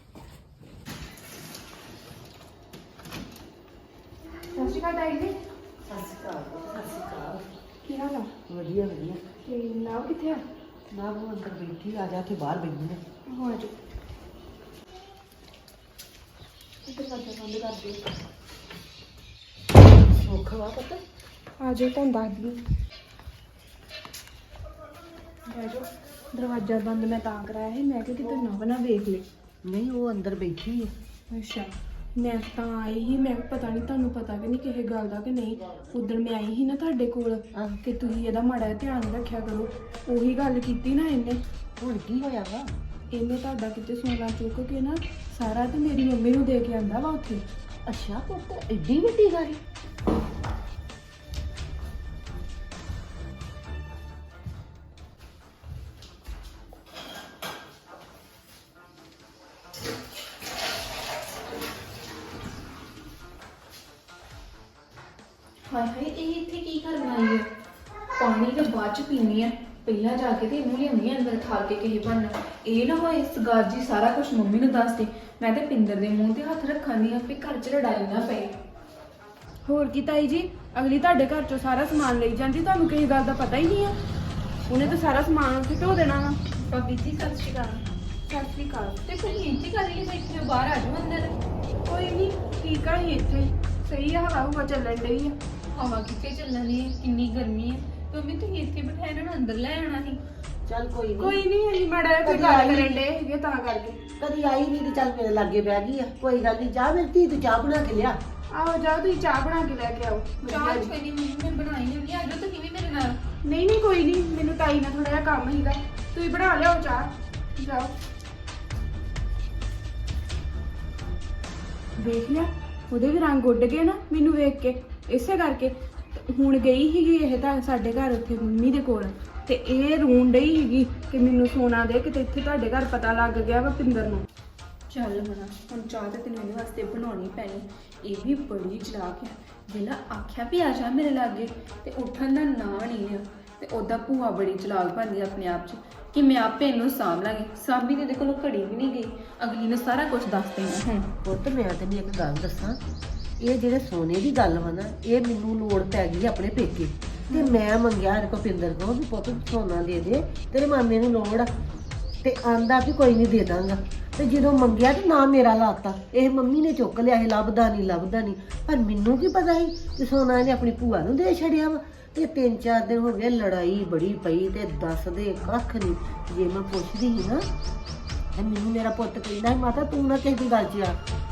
ਸਤਿ ਸ਼੍ਰੀ ਅਕਾਲ ਤਾਈ ਜੀ। ਸਤਿ ਸ਼੍ਰੀ ਅਕਾਲ ਸਤਿ ਸ਼੍ਰੀ ਅਕਾਲ। ਕੀ ਹਾਲ ਆ? ਵਧੀਆ ਵਧੀਆ। ਤੇ ਨਾਮ ਕਿੱਥੇ ਆ? ਨਾ ਉਹ ਅੰਦਰ ਬੈਠੀ, ਆ ਜਾ ਕੇ ਬਾਹਰ ਬੈਠੀ ਨੇ। ਹੋ ਜਾ। ਦਰਵਾਜ਼ਾ ਬੰਦ ਕਰ ਦੇ। ਸੁੱਖ ਵਾ ਪੁੱਤ। ਆ ਜਾਓ, ਤੁਹਾਨੂੰ ਦੱਸ ਦਈ। ਬਹਿ ਜਾਓ। ਦਰਵਾਜ਼ਾ ਬੰਦ ਮੈਂ ਤਾਂ ਕਰਾਇਆ ਸੀ, ਮੈਂ ਕਿਹਾ ਕਿਤੇ ਨਾ ਬਣਾ ਵੇਖ ਲੈ। ਨਹੀਂ ਉਹ ਅੰਦਰ ਬੈਠੀ ਹੈ। ਅੱਛਾ, ਮੈਂ ਤਾਂ ਆਈ ਸੀ, ਮੈਂ ਕਿਹਾ ਪਤਾ ਨਹੀਂ ਤੁਹਾਨੂੰ ਪਤਾ ਕਿ ਨਹੀਂ ਕਿਸੇ ਗੱਲ ਦਾ ਕਿ ਨਹੀਂ। ਉਦੋਂ ਮੈਂ ਆਈ ਸੀ ਨਾ ਤੁਹਾਡੇ ਕੋਲ ਆਹ। ਕਿ ਤੁਸੀਂ ਇਹਦਾ ਮਾੜਾ ਜਿਹਾ ਧਿਆਨ ਰੱਖਿਆ ਕਰੋ। ਉਹੀ ਗੱਲ ਕੀਤੀ ਨਾ ਇਹਨੇ। ਹੁਣ ਕੀ ਹੋਇਆ ਵਾ? ਇਹਨੇ ਤੁਹਾਡਾ ਕਿਤੇ ਸੋਨਾ ਚੁੱਕ ਕੇ ਨਾ ਸਾਰਾ ਤੇ ਮੇਰੀ ਮੰਮੀ ਨੂੰ ਦੇ ਕੇ ਆਂਦਾ ਵਾ ਉੱਥੇ। ਅੱਛਾ ਪੁੱਤ, ਐਡੀ ਵੱਡੀ ਗੱਲ। ਹਾਏ ਹਾਏ, ਇਹ ਇੱਥੇ ਕੀ ਕਰਨ ਆਈ ਹੈ? ਪਾਣੀ ਤਾਂ ਬਾਅਦ ਚ ਪੀਣੀ ਹੈ, ਪਹਿਲਾਂ ਜਾ ਕੇ ਤੇ ਇਹਨੂੰ ਲਿਆਉਣੀ ਹੈ ਅੰਦਰ ਖਾ ਕੇ ਕਿਸੇ ਬਣਨਾ। ਇਹ ਨਾ ਹੋਏ ਸਗਾਰ ਜੀ ਸਾਰਾ ਕੁਝ ਮੰਮੀ ਨੂੰ ਦੱਸ ਦੇ। ਮੈਂ ਤੇ ਪਿੰਦਰ ਦੇ ਮੂੰਹ ਤੇ ਹੱਥ ਰੱਖਾਂਗੀ ਆਪੇ ਘਰ ਚ ਲੜਾਈ ਨਾ ਪਏ। ਹੋਰ ਕੀ ਤਾਈ ਜੀ, ਅਗਲੀ ਤੁਹਾਡੇ ਘਰ ਚੋਂ ਸਾਰਾ ਸਮਾਨ ਲਈ ਜਾਂਦੀ, ਤੁਹਾਨੂੰ ਕਿਸੇ ਗੱਲ ਦਾ ਪਤਾ ਹੀ ਨਹੀਂ ਆ। ਉਹਨੇ ਤਾਂ ਸਾਰਾ ਸਮਾਨ ਉੱਥੇ ਢੋ ਦੇਣਾ ਵਾ। ਭਾਬੀ ਜੀ ਸਤਿ ਸ਼੍ਰੀ ਅਕਾਲ। ਸਤਿ ਸ਼੍ਰੀ ਅਕਾਲ। ਤੇ ਤੁਸੀਂ ਇੰਝ ਕਰ ਲਈ ਬੈਠੇ ਹੋ, ਬਾਹਰ ਆ ਜਾਓ ਅੰਦਰ। ਕੋਈ ਨਹੀਂ, ਠੀਕ ਆ ਹੀ ਇੱਥੇ। ਸਹੀ ਆ, ਹਵਾ ਹੁਵਾ ਚੱਲਣ ਡਈ ਆ। ਹਵਾ ਕਿੱਥੇ ਚੱਲਣੀ ਹੈ, ਕਿੰਨੀ ਗਰਮੀ ਹੈ। ਮੰਮੀ ਤੁਸੀਂ ਇੱਥੇ ਬਿਠਾਏ ਇਹਨਾਂ ਨੂੰ ਅੰਦਰ ਲੈ ਆਉਣਾ ਸੀ। ਚੱਲ ਕੋਈ ਨਹੀਂ। ਕੋਈ ਨਹੀਂ, ਅਸੀਂ ਮਾੜਾ ਜਿਹਾ ਕੋਈ ਗੱਲ ਕਰਨ ਡੇ ਹੈਗੇ ਤਾਂ ਕਰਕੇ। ਕਦੀ ਆਈ ਨਹੀਂ ਤੇ ਚੱਲ ਮੇਰੇ ਲਾਗੇ ਬਹਿ ਗਈ ਆ। ਕੋਈ ਗੱਲ ਨਹੀਂ, ਜਾ ਮੇਰੀ ਧੀ, ਤੂੰ ਚਾਹ ਬਣਾ ਕੇ ਲਿਆ। ਆਓ ਜਾਓ, ਤੁਸੀਂ ਚਾਹ ਬਣਾ ਕੇ ਲੈ ਕੇ ਆਓ। ਚਾਹ ਵਧੀਆ ਜੀ। ਕੋਈ ਨਹੀਂ ਮੰਮੀ, ਮੈਂ ਬਣਾਈ ਨਹੀਂ। ਆ ਜਾਓ ਤੁਸੀਂ ਵੀ ਮੇਰੇ ਨਾਲ। ਨਹੀਂ ਨਹੀਂ ਕੋਈ ਨਹੀਂ, ਮੈਨੂੰ ਤਾਈ ਨਾਲ ਥੋੜਾ ਜਿਹਾ ਕੰਮ ਸੀਗਾ। ਤੁਸੀਂ ਬਣਾ ਲਿਆਓ ਚਾਹ, ਜਾਓ। ਵੇਖ ਲਿਆ, ਉਹਦੇ ਵੀ ਰੰਗ ਉੱਡ ਗਏ ਨਾ ਮੈਨੂੰ ਵੇਖ ਕੇ। ਇਸੇ ਕਰਕੇ ਤੇ ਹੁਣ ਗਈ ਸੀਗੀ ਇਹ ਤਾਂ ਸਾਡੇ ਘਰ ਉੱਥੇ ਮੰਮੀ ਦੇ ਕੋਲ, ਤੇ ਇਹ ਰੋਣ ਡਈ ਸੀਗੀ ਕਿ ਮੈਨੂੰ ਸੋਨਾ ਦੇ, ਕਿਤੇ ਇੱਥੇ ਤੁਹਾਡੇ ਘਰ ਪਤਾ ਲੱਗ ਗਿਆ ਵਾ ਪਿੰਦਰ ਨੂੰ। ਚੱਲ ਮਨਾ, ਹੁਣ ਚਾਹ ਤੇ ਤੈਨੂੰ ਇਹਦੇ ਵਾਸਤੇ ਬਣਾਉਣੀ ਪੈਣੀ। ਇਹ ਵੀ ਬੜੀ ਚਲਾਕ ਹੈ। ਜਿਹੜਾ ਆਖਿਆ ਵੀ ਆ ਜਾ ਮੇਰੇ ਲਾਗੇ ਤੇ ਉੱਠਣ ਦਾ ਨਾਂ ਨਹੀਂ ਆ। ਤੇ ਉਹਦਾ ਭੂਆ ਬੜੀ ਚਲਾਕ ਬਣਦੀ ਆਪਣੇ ਆਪ 'ਚ ਕਿ ਮੈਂ ਆਪੇ ਇਹਨੂੰ ਸਾਂਭ ਲਾਂਗੀ। ਸਾਂਭੀ ਦੇ ਕੋਲੋਂ ਘੜੀ ਵੀ ਨਹੀਂ ਗਈ, ਅਗਲੀ ਨੇ ਸਾਰਾ ਕੁਝ ਦੱਸ ਦੇਣਾ। ਹੁਣ ਪੁੱਤ ਮੈਂ ਤੈਨੂੰ ਇੱਕ ਗੱਲ ਦੱਸਾਂ, ਇਹ ਜਿਹੜੇ ਸੋਨੇ ਦੀ ਗੱਲ ਵਾ ਨਾ, ਇਹ ਮੈਨੂੰ ਲੋੜ ਪੈ ਗਈ ਆਪਣੇ ਪੇਕੇ। ਤੇ ਮੈਂ ਮੰਗਿਆ ਇਹਦੇ ਕੋਲ ਪਿੰਦਰ ਕੋਲ ਵੀ ਪੁੱਤ ਸੋਨਾ ਦੇ ਦੇ, ਤੇਰੇ ਮਾਮੇ ਨੂੰ ਲੋੜ ਆ। ਤੇ ਆਂਦਾ ਵੀ ਕੋਈ ਨਹੀਂ ਦੇ ਦਾਂਗਾ। ਤੇ ਜਦੋਂ ਮੰਗਿਆ ਤੇ ਨਾ ਮੇਰਾ ਲਾਤਾ, ਇਹ ਮੰਮੀ ਨੇ ਚੁੱਕ ਲਿਆ, ਇਹ ਲੱਭਦਾ ਨਹੀਂ ਲੱਭਦਾ ਨਹੀਂ। ਪਰ ਮੈਨੂੰ ਕੀ ਪਤਾ ਸੀ ਕਿ ਸੋਨਾ ਇਹਨੇ ਆਪਣੀ ਭੂਆ ਨੂੰ ਦੇ ਛੱਡਿਆ ਵਾ। ਤੇ ਤਿੰਨ ਚਾਰ ਦਿਨ ਹੋ ਗਏ, ਲੜਾਈ ਬੜੀ ਪਈ ਤੇ ਦੱਸਦੇ ਕੱਖ ਨਹੀਂ। ਜੇ ਮੈਂ ਪੁੱਛਦੀ ਸੀ ਨਾ ਤੇ ਮੈਨੂੰ ਮੇਰਾ ਪੁੱਤ ਕਹਿੰਦਾ ਮਾਤਾ ਤੂੰ ਨਾ ਕਿਸੇ ਦੀ ਗੱਲ 'ਚ ਆ।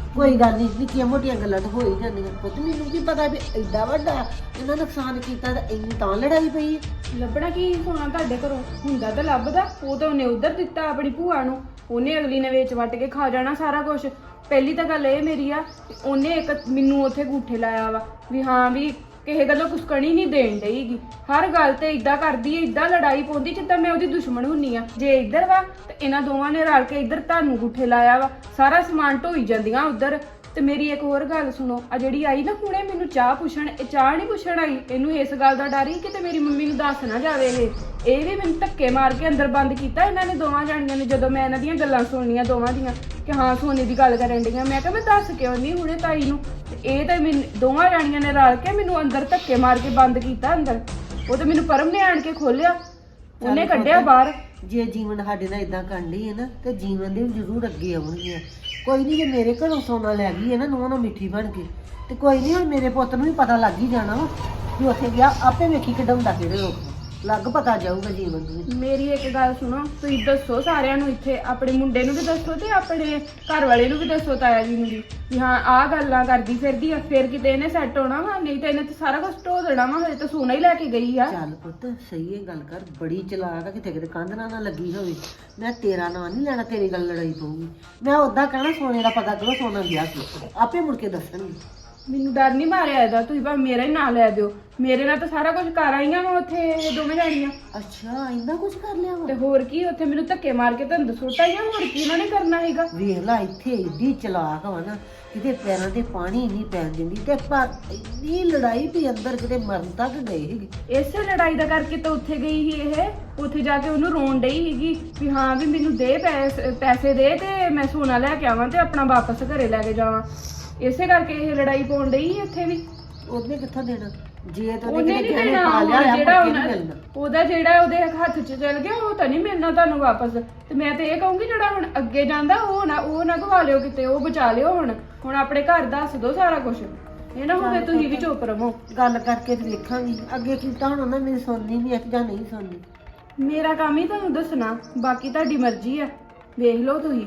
ਕੋਈ ਗੱਲ ਨਹੀਂ, ਨਿੱਕੀਆਂ ਮੋਟੀਆਂ ਗੱਲਾਂ ਤਾਂ ਹੋ ਹੀ ਜਾਂਦੀਆਂ। ਪੁੱਤ ਮੈਨੂੰ ਕੀ ਪਤਾ ਵੀ ਐਡਾ ਵੱਡਾ ਇਹਨਾਂ ਨੁਕਸਾਨ ਕੀਤਾ ਤਾਂ ਇੰਨੀ ਤਾਂ ਲੜਾਈ ਪਈ ਹੈ। ਲੱਭਣਾ ਕੀ ਸੋਨਾ ਤੁਹਾਡੇ ਘਰੋਂ ਹੁੰਦਾ ਤਾਂ ਲੱਭਦਾ, ਉਹ ਤਾਂ ਉਹਨੇ ਉਧਰ ਦਿੱਤਾ ਆਪਣੀ ਭੂਆ ਨੂੰ, ਉਹਨੇ ਅਗਲੀ ਨੇ ਵੇਚ ਵੱਟ ਕੇ ਖਾ ਜਾਣਾ ਸਾਰਾ ਕੁਝ। ਪਹਿਲੀ ਤਾਂ ਗੱਲ ਇਹ ਮੇਰੀ ਆ, ਉਹਨੇ ਇੱਕ ਮੈਨੂੰ ਉੱਥੇ ਗੂਠੇ ਲਾਇਆ ਵਾ ਵੀ ਹਾਂ ਵੀ ਕਿਸੇ ਗੱਲੋਂ ਕੁਛ ਕਣੀ ਨਹੀਂ ਦੇਣ ਡਈਗੀ, ਹਰ ਗੱਲ ਤੇ ਇਦਾਂ ਕਰਦੀ ਏ, ਇਦਾਂ ਲੜਾਈ ਪਾਉਂਦੀ ਜਿੱਦਾਂ ਮੈਂ ਉਹਦੀ ਦੁਸ਼ਮਣ ਹੁੰਨੀ ਆ। ਜੇ ਇੱਧਰ ਵਾ ਤੇ ਇਹਨਾਂ ਦੋਵਾਂ ਨੇ ਰਲ ਕੇ ਇੱਧਰ ਤੁਹਾਨੂੰ ਗੂਠੇ ਲਾਇਆ ਵਾ, ਸਾਰਾ ਸਮਾਨ ਢੋਈ ਜਾਂਦੀਆਂ ਉੱਧਰ। ਤੇ ਮੇਰੀ ਇੱਕ ਹੋਰ ਗੱਲ ਸੁਣੋ, ਆ ਜਿਹੜੀ ਆਈ ਨਾ ਹੁਣੇ ਮੈਨੂੰ ਚਾਹ ਪੁੱਛਣ, ਇਹ ਚਾਹ ਨਹੀਂ ਪੁੱਛਣ ਆਈ, ਇਹਨੂੰ ਇਸ ਗੱਲ ਦਾ ਡਰ ਹੀ ਕਿਤੇ ਮੇਰੀ ਮੰਮੀ ਨੂੰ ਦੱਸ ਨਾ ਜਾਵੇ। ਇਹ ਇਹ ਵੀ ਮੈਨੂੰ ਧੱਕੇ ਮਾਰ ਕੇ ਅੰਦਰ ਬੰਦ ਕੀਤਾ ਇਹਨਾਂ ਨੇ ਦੋਵਾਂ ਜਾਣੀਆਂ ਨੇ। ਜਦੋਂ ਮੈਂ ਇਹਨਾਂ ਦੀਆਂ ਗੱਲਾਂ ਸੁਣਨੀਆਂ ਦੋਵਾਂ ਦੀਆਂ ਕਿ ਹਾਂ ਸੋਨੇ ਦੀ ਗੱਲ ਕਰਨ ਡੀਆਂ, ਮੈਂ ਕਿਹਾ ਮੈਂ ਦੱਸ ਕਿਉਂ ਨਹੀਂ ਹੁਣੇ ਤਾਈ ਨੂੰ। ਤੇ ਇਹ ਤਾਂ ਮੈਨੂੰ ਦੋਵਾਂ ਜਾਣੀਆਂ ਨੇ ਰਲ ਕੇ ਮੈਨੂੰ ਅੰਦਰ ਧੱਕੇ ਮਾਰ ਕੇ ਬੰਦ ਕੀਤਾ ਅੰਦਰ। ਉਹ ਤਾਂ ਮੈਨੂੰ ਪਰਮ ਨੇ ਆਣ ਕੇ ਖੋਲਿਆ, ਉਹਨੇ ਕੱਢਿਆ ਬਾਹਰ। ਜੇ ਜੀਵਨ ਸਾਡੇ ਨਾਲ ਇਦਾਂ ਕਰਨ ਲਈ ਹੈ ਨਾ ਤੇ ਜੀਵਨ ਦੇ ਵੀ ਜ਼ਰੂਰ ਅੱਗੇ ਆਉਣਗੀਆਂ। ਕੋਈ ਨਹੀਂ, ਜੇ ਮੇਰੇ ਘਰੋਂ ਸੋਨਾ ਲੈ ਗਈ ਹੈ ਨਾ ਨੂੰਹ ਨਾਲ ਮਿੱਠੀ ਬਣ ਕੇ, ਤੇ ਕੋਈ ਨਹੀਂ ਹੁਣ ਮੇਰੇ ਪੁੱਤ ਨੂੰ ਵੀ ਪਤਾ ਲੱਗ ਹੀ ਜਾਣਾ ਵਾ ਵੀ ਉੱਥੇ ਗਿਆ, ਆਪੇ ਵੇਖੀ ਕਢਾਉਂਦਾ ਕਿਹੜੇ ਲੋਕ ਲੱਗ ਪਤਾ ਜਾਊਗਾ ਜੀਵਨ ਨੂੰ। ਮੇਰੀ ਇੱਕ ਗੱਲ ਸੁਣੋ, ਤੁਸੀਂ ਦੱਸੋ ਸਾਰਿਆਂ ਨੂੰ ਇੱਥੇ, ਆਪਣੇ ਮੁੰਡੇ ਨੂੰ ਵੀ ਦੱਸੋ ਤੇ ਆਪਣੇ ਘਰ ਵਾਲੇ ਨੂੰ ਵੀ ਦੱਸੋ, ਤਾਇਆ ਜੀ ਨੂੰ ਵੀ, ਵੀ ਹਾਂ ਆਹ ਗੱਲਾਂ ਕਰਦੀ ਫਿਰਦੀ ਆ, ਫਿਰ ਕਿਤੇ ਇਹਨੇ ਸੈੱਟ ਹੋਣਾ ਵਾ, ਨਹੀਂ ਤਾਂ ਇਹਨੇ ਤਾਂ ਸਾਰਾ ਕੁਝ ਢੋ ਦੇਣਾ ਵਾ। ਹਜੇ ਤਾਂ ਸੋਨਾ ਹੀ ਲੈ ਕੇ ਗਈ ਆ। ਚੱਲ ਪੁੱਤ ਸਹੀ ਹੈ ਗੱਲ ਕਰ, ਬੜੀ ਚਲਾਕ ਆ, ਕਿਤੇ ਕਿਤੇ ਕੰਧ ਨਾਲ ਨਾ ਲੱਗੀ ਹੋਵੇ। ਮੈਂ ਤੇਰਾ ਨਾਂ ਨਹੀਂ ਲੈਣਾ, ਤੇਰੀ ਗੱਲ ਲੜਾਈ ਪਊਗੀ। ਮੈਂ ਉਦਾਂ ਕਹਿਣਾ ਸੋਨੇ ਦਾ ਪਤਾ ਕਰੋ, ਸੋਨਾ ਗਿਆ ਸੀ, ਆਪੇ ਮੁੜ ਕੇ ਦੱਸਣਗੇ। ਮੈਨੂੰ ਡਰ ਨਹੀਂ ਮਾਰਿਆ ਇਹਦਾ, ਤੁਸੀਂ ਭਾਵੇਂ ਮੇਰਾ ਹੀ ਨਾਂ ਲੈ ਦਿਓ, ਮੇਰੇ ਨਾਲ ਤਾਂ ਸਾਰਾ ਕੁਝ ਕਰ ਆਈਆਂ ਵਾ ਉੱਥੇ ਇਹ ਦੋਵੇਂ ਜਾਣੀਆਂ। ਅੱਛਾ ਇੰਨਾ ਕੁਝ ਕਰ ਲਿਆ ਤੇ ਵਾ। ਹੋਰ ਕੀ, ਉੱਥੇ ਮੈਨੂੰ ਧੱਕੇ ਮਾਰ ਕੇ ਧੰਦ ਸੁੱਟਾਈਆਂ, ਹੋਰ ਕੀ ਇਹਨਾਂ ਨੇ ਕਰਨਾ ਹੈਗਾ। ਵੇਖ ਲਾ ਇੱਥੇ ਏਡੀ ਚਲਾਕ ਵਾ ਨਾ, ਕਿਤੇ ਪੈਰਾਂ ਤੇ ਪਾਣੀ ਨਹੀਂ ਪੈਣ ਦਿੰਦੀ, ਤੇ ਪਰ ਇੰਨੀ ਲੜਾਈ ਵੀ ਅੰਦਰ ਕਿਤੇ ਮਰਨ ਤੱਕ ਗਏ ਹੈਗੇ। ਇਸੇ ਲੜਾਈ ਦਾ ਕਰਕੇ ਤਾਂ ਉੱਥੇ ਗਈ ਸੀ ਇਹ, ਉੱਥੇ ਜਾ ਕੇ ਉਹਨੂੰ ਰੋਣ ਡਈ ਸੀਗੀ ਵੀ ਹਾਂ ਵੀ ਮੈਨੂੰ ਦੇ ਪੈਸੇ ਪੈਸੇ ਦੇ ਤੇ ਮੈਂ ਸੋਨਾ ਲੈ ਕੇ ਆਵਾਂ ਤੇ ਆਪਣਾ ਵਾਪਸ ਘਰੇ ਲੈ ਕੇ ਜਾਵਾਂ। ਇਸੇ ਕਰਕੇ ਇਹ ਲੜਾਈ ਪਾਉਣ ਡਈ ਸੀ ਇੱਥੇ ਵੀ। ਉਹਨੇ ਕਿੱਥੋਂ ਦੇਣਾ ਜੇ ਤਾਂ ਉਹਨੇ ਉਹਨੇ ਨਹੀਂ ਕਿਤੇ ਦੇਣਾ, ਪਾ ਲਿਆ ਹੋਇਆ, ਜਿਹੜਾ ਮੁੜ ਕੇ ਨਹੀਂ ਉਹਨਾਂ- ਮਿਲਣਾ। ਉਹਦਾ ਜਿਹੜਾ ਉਹਦੇ ਹੱਥ 'ਚ ਚਲ ਗਿਆ ਉਹ ਤਾਂ ਨਹੀਂ ਮਿਲਣਾ ਤੁਹਾਨੂੰ ਵਾਪਸ। ਤੇ ਮੈਂ ਤੇ ਇਹ ਕਹੂੰਗੀ ਜਿਹੜਾ ਹੁਣ ਅੱਗੇ ਜਾਂਦਾ ਉਹ ਨਾ ਉਹ ਨਾ ਗਵਾ ਲਿਓ ਕਿਤੇ, ਉਹ ਬਚਾ ਲਿਓ। ਹੁਣ ਹੁਣ ਆਪਣੇ ਘਰ ਦੱਸ ਦਿਓ ਸਾਰਾ ਕੁਝ, ਇਹ ਨਾ ਹੋਵੇ ਤੁਸੀਂ ਵੀ ਚੁੱਪ ਰਹੋ। ਗੱਲ ਕਰਕੇ ਤੇ ਵੇਖਾਂਗੀ ਅੱਗੇ ਕੀਤਾ ਹੁਣ ਉਹਨਾਂ ਮੇਰੀ ਸੁਣਨੀ ਵੀ ਹੈ ਜਾਂ ਨਹੀਂ ਸੁਣਨੀ। ਮੇਰਾ ਕੰਮ ਹੀ ਤੁਹਾਨੂੰ ਦੱਸਣਾ, ਬਾਕੀ ਤੁਹਾਡੀ ਮਰਜ਼ੀ ਆ, ਵੇਖ ਲਓ ਤੁਸੀਂ।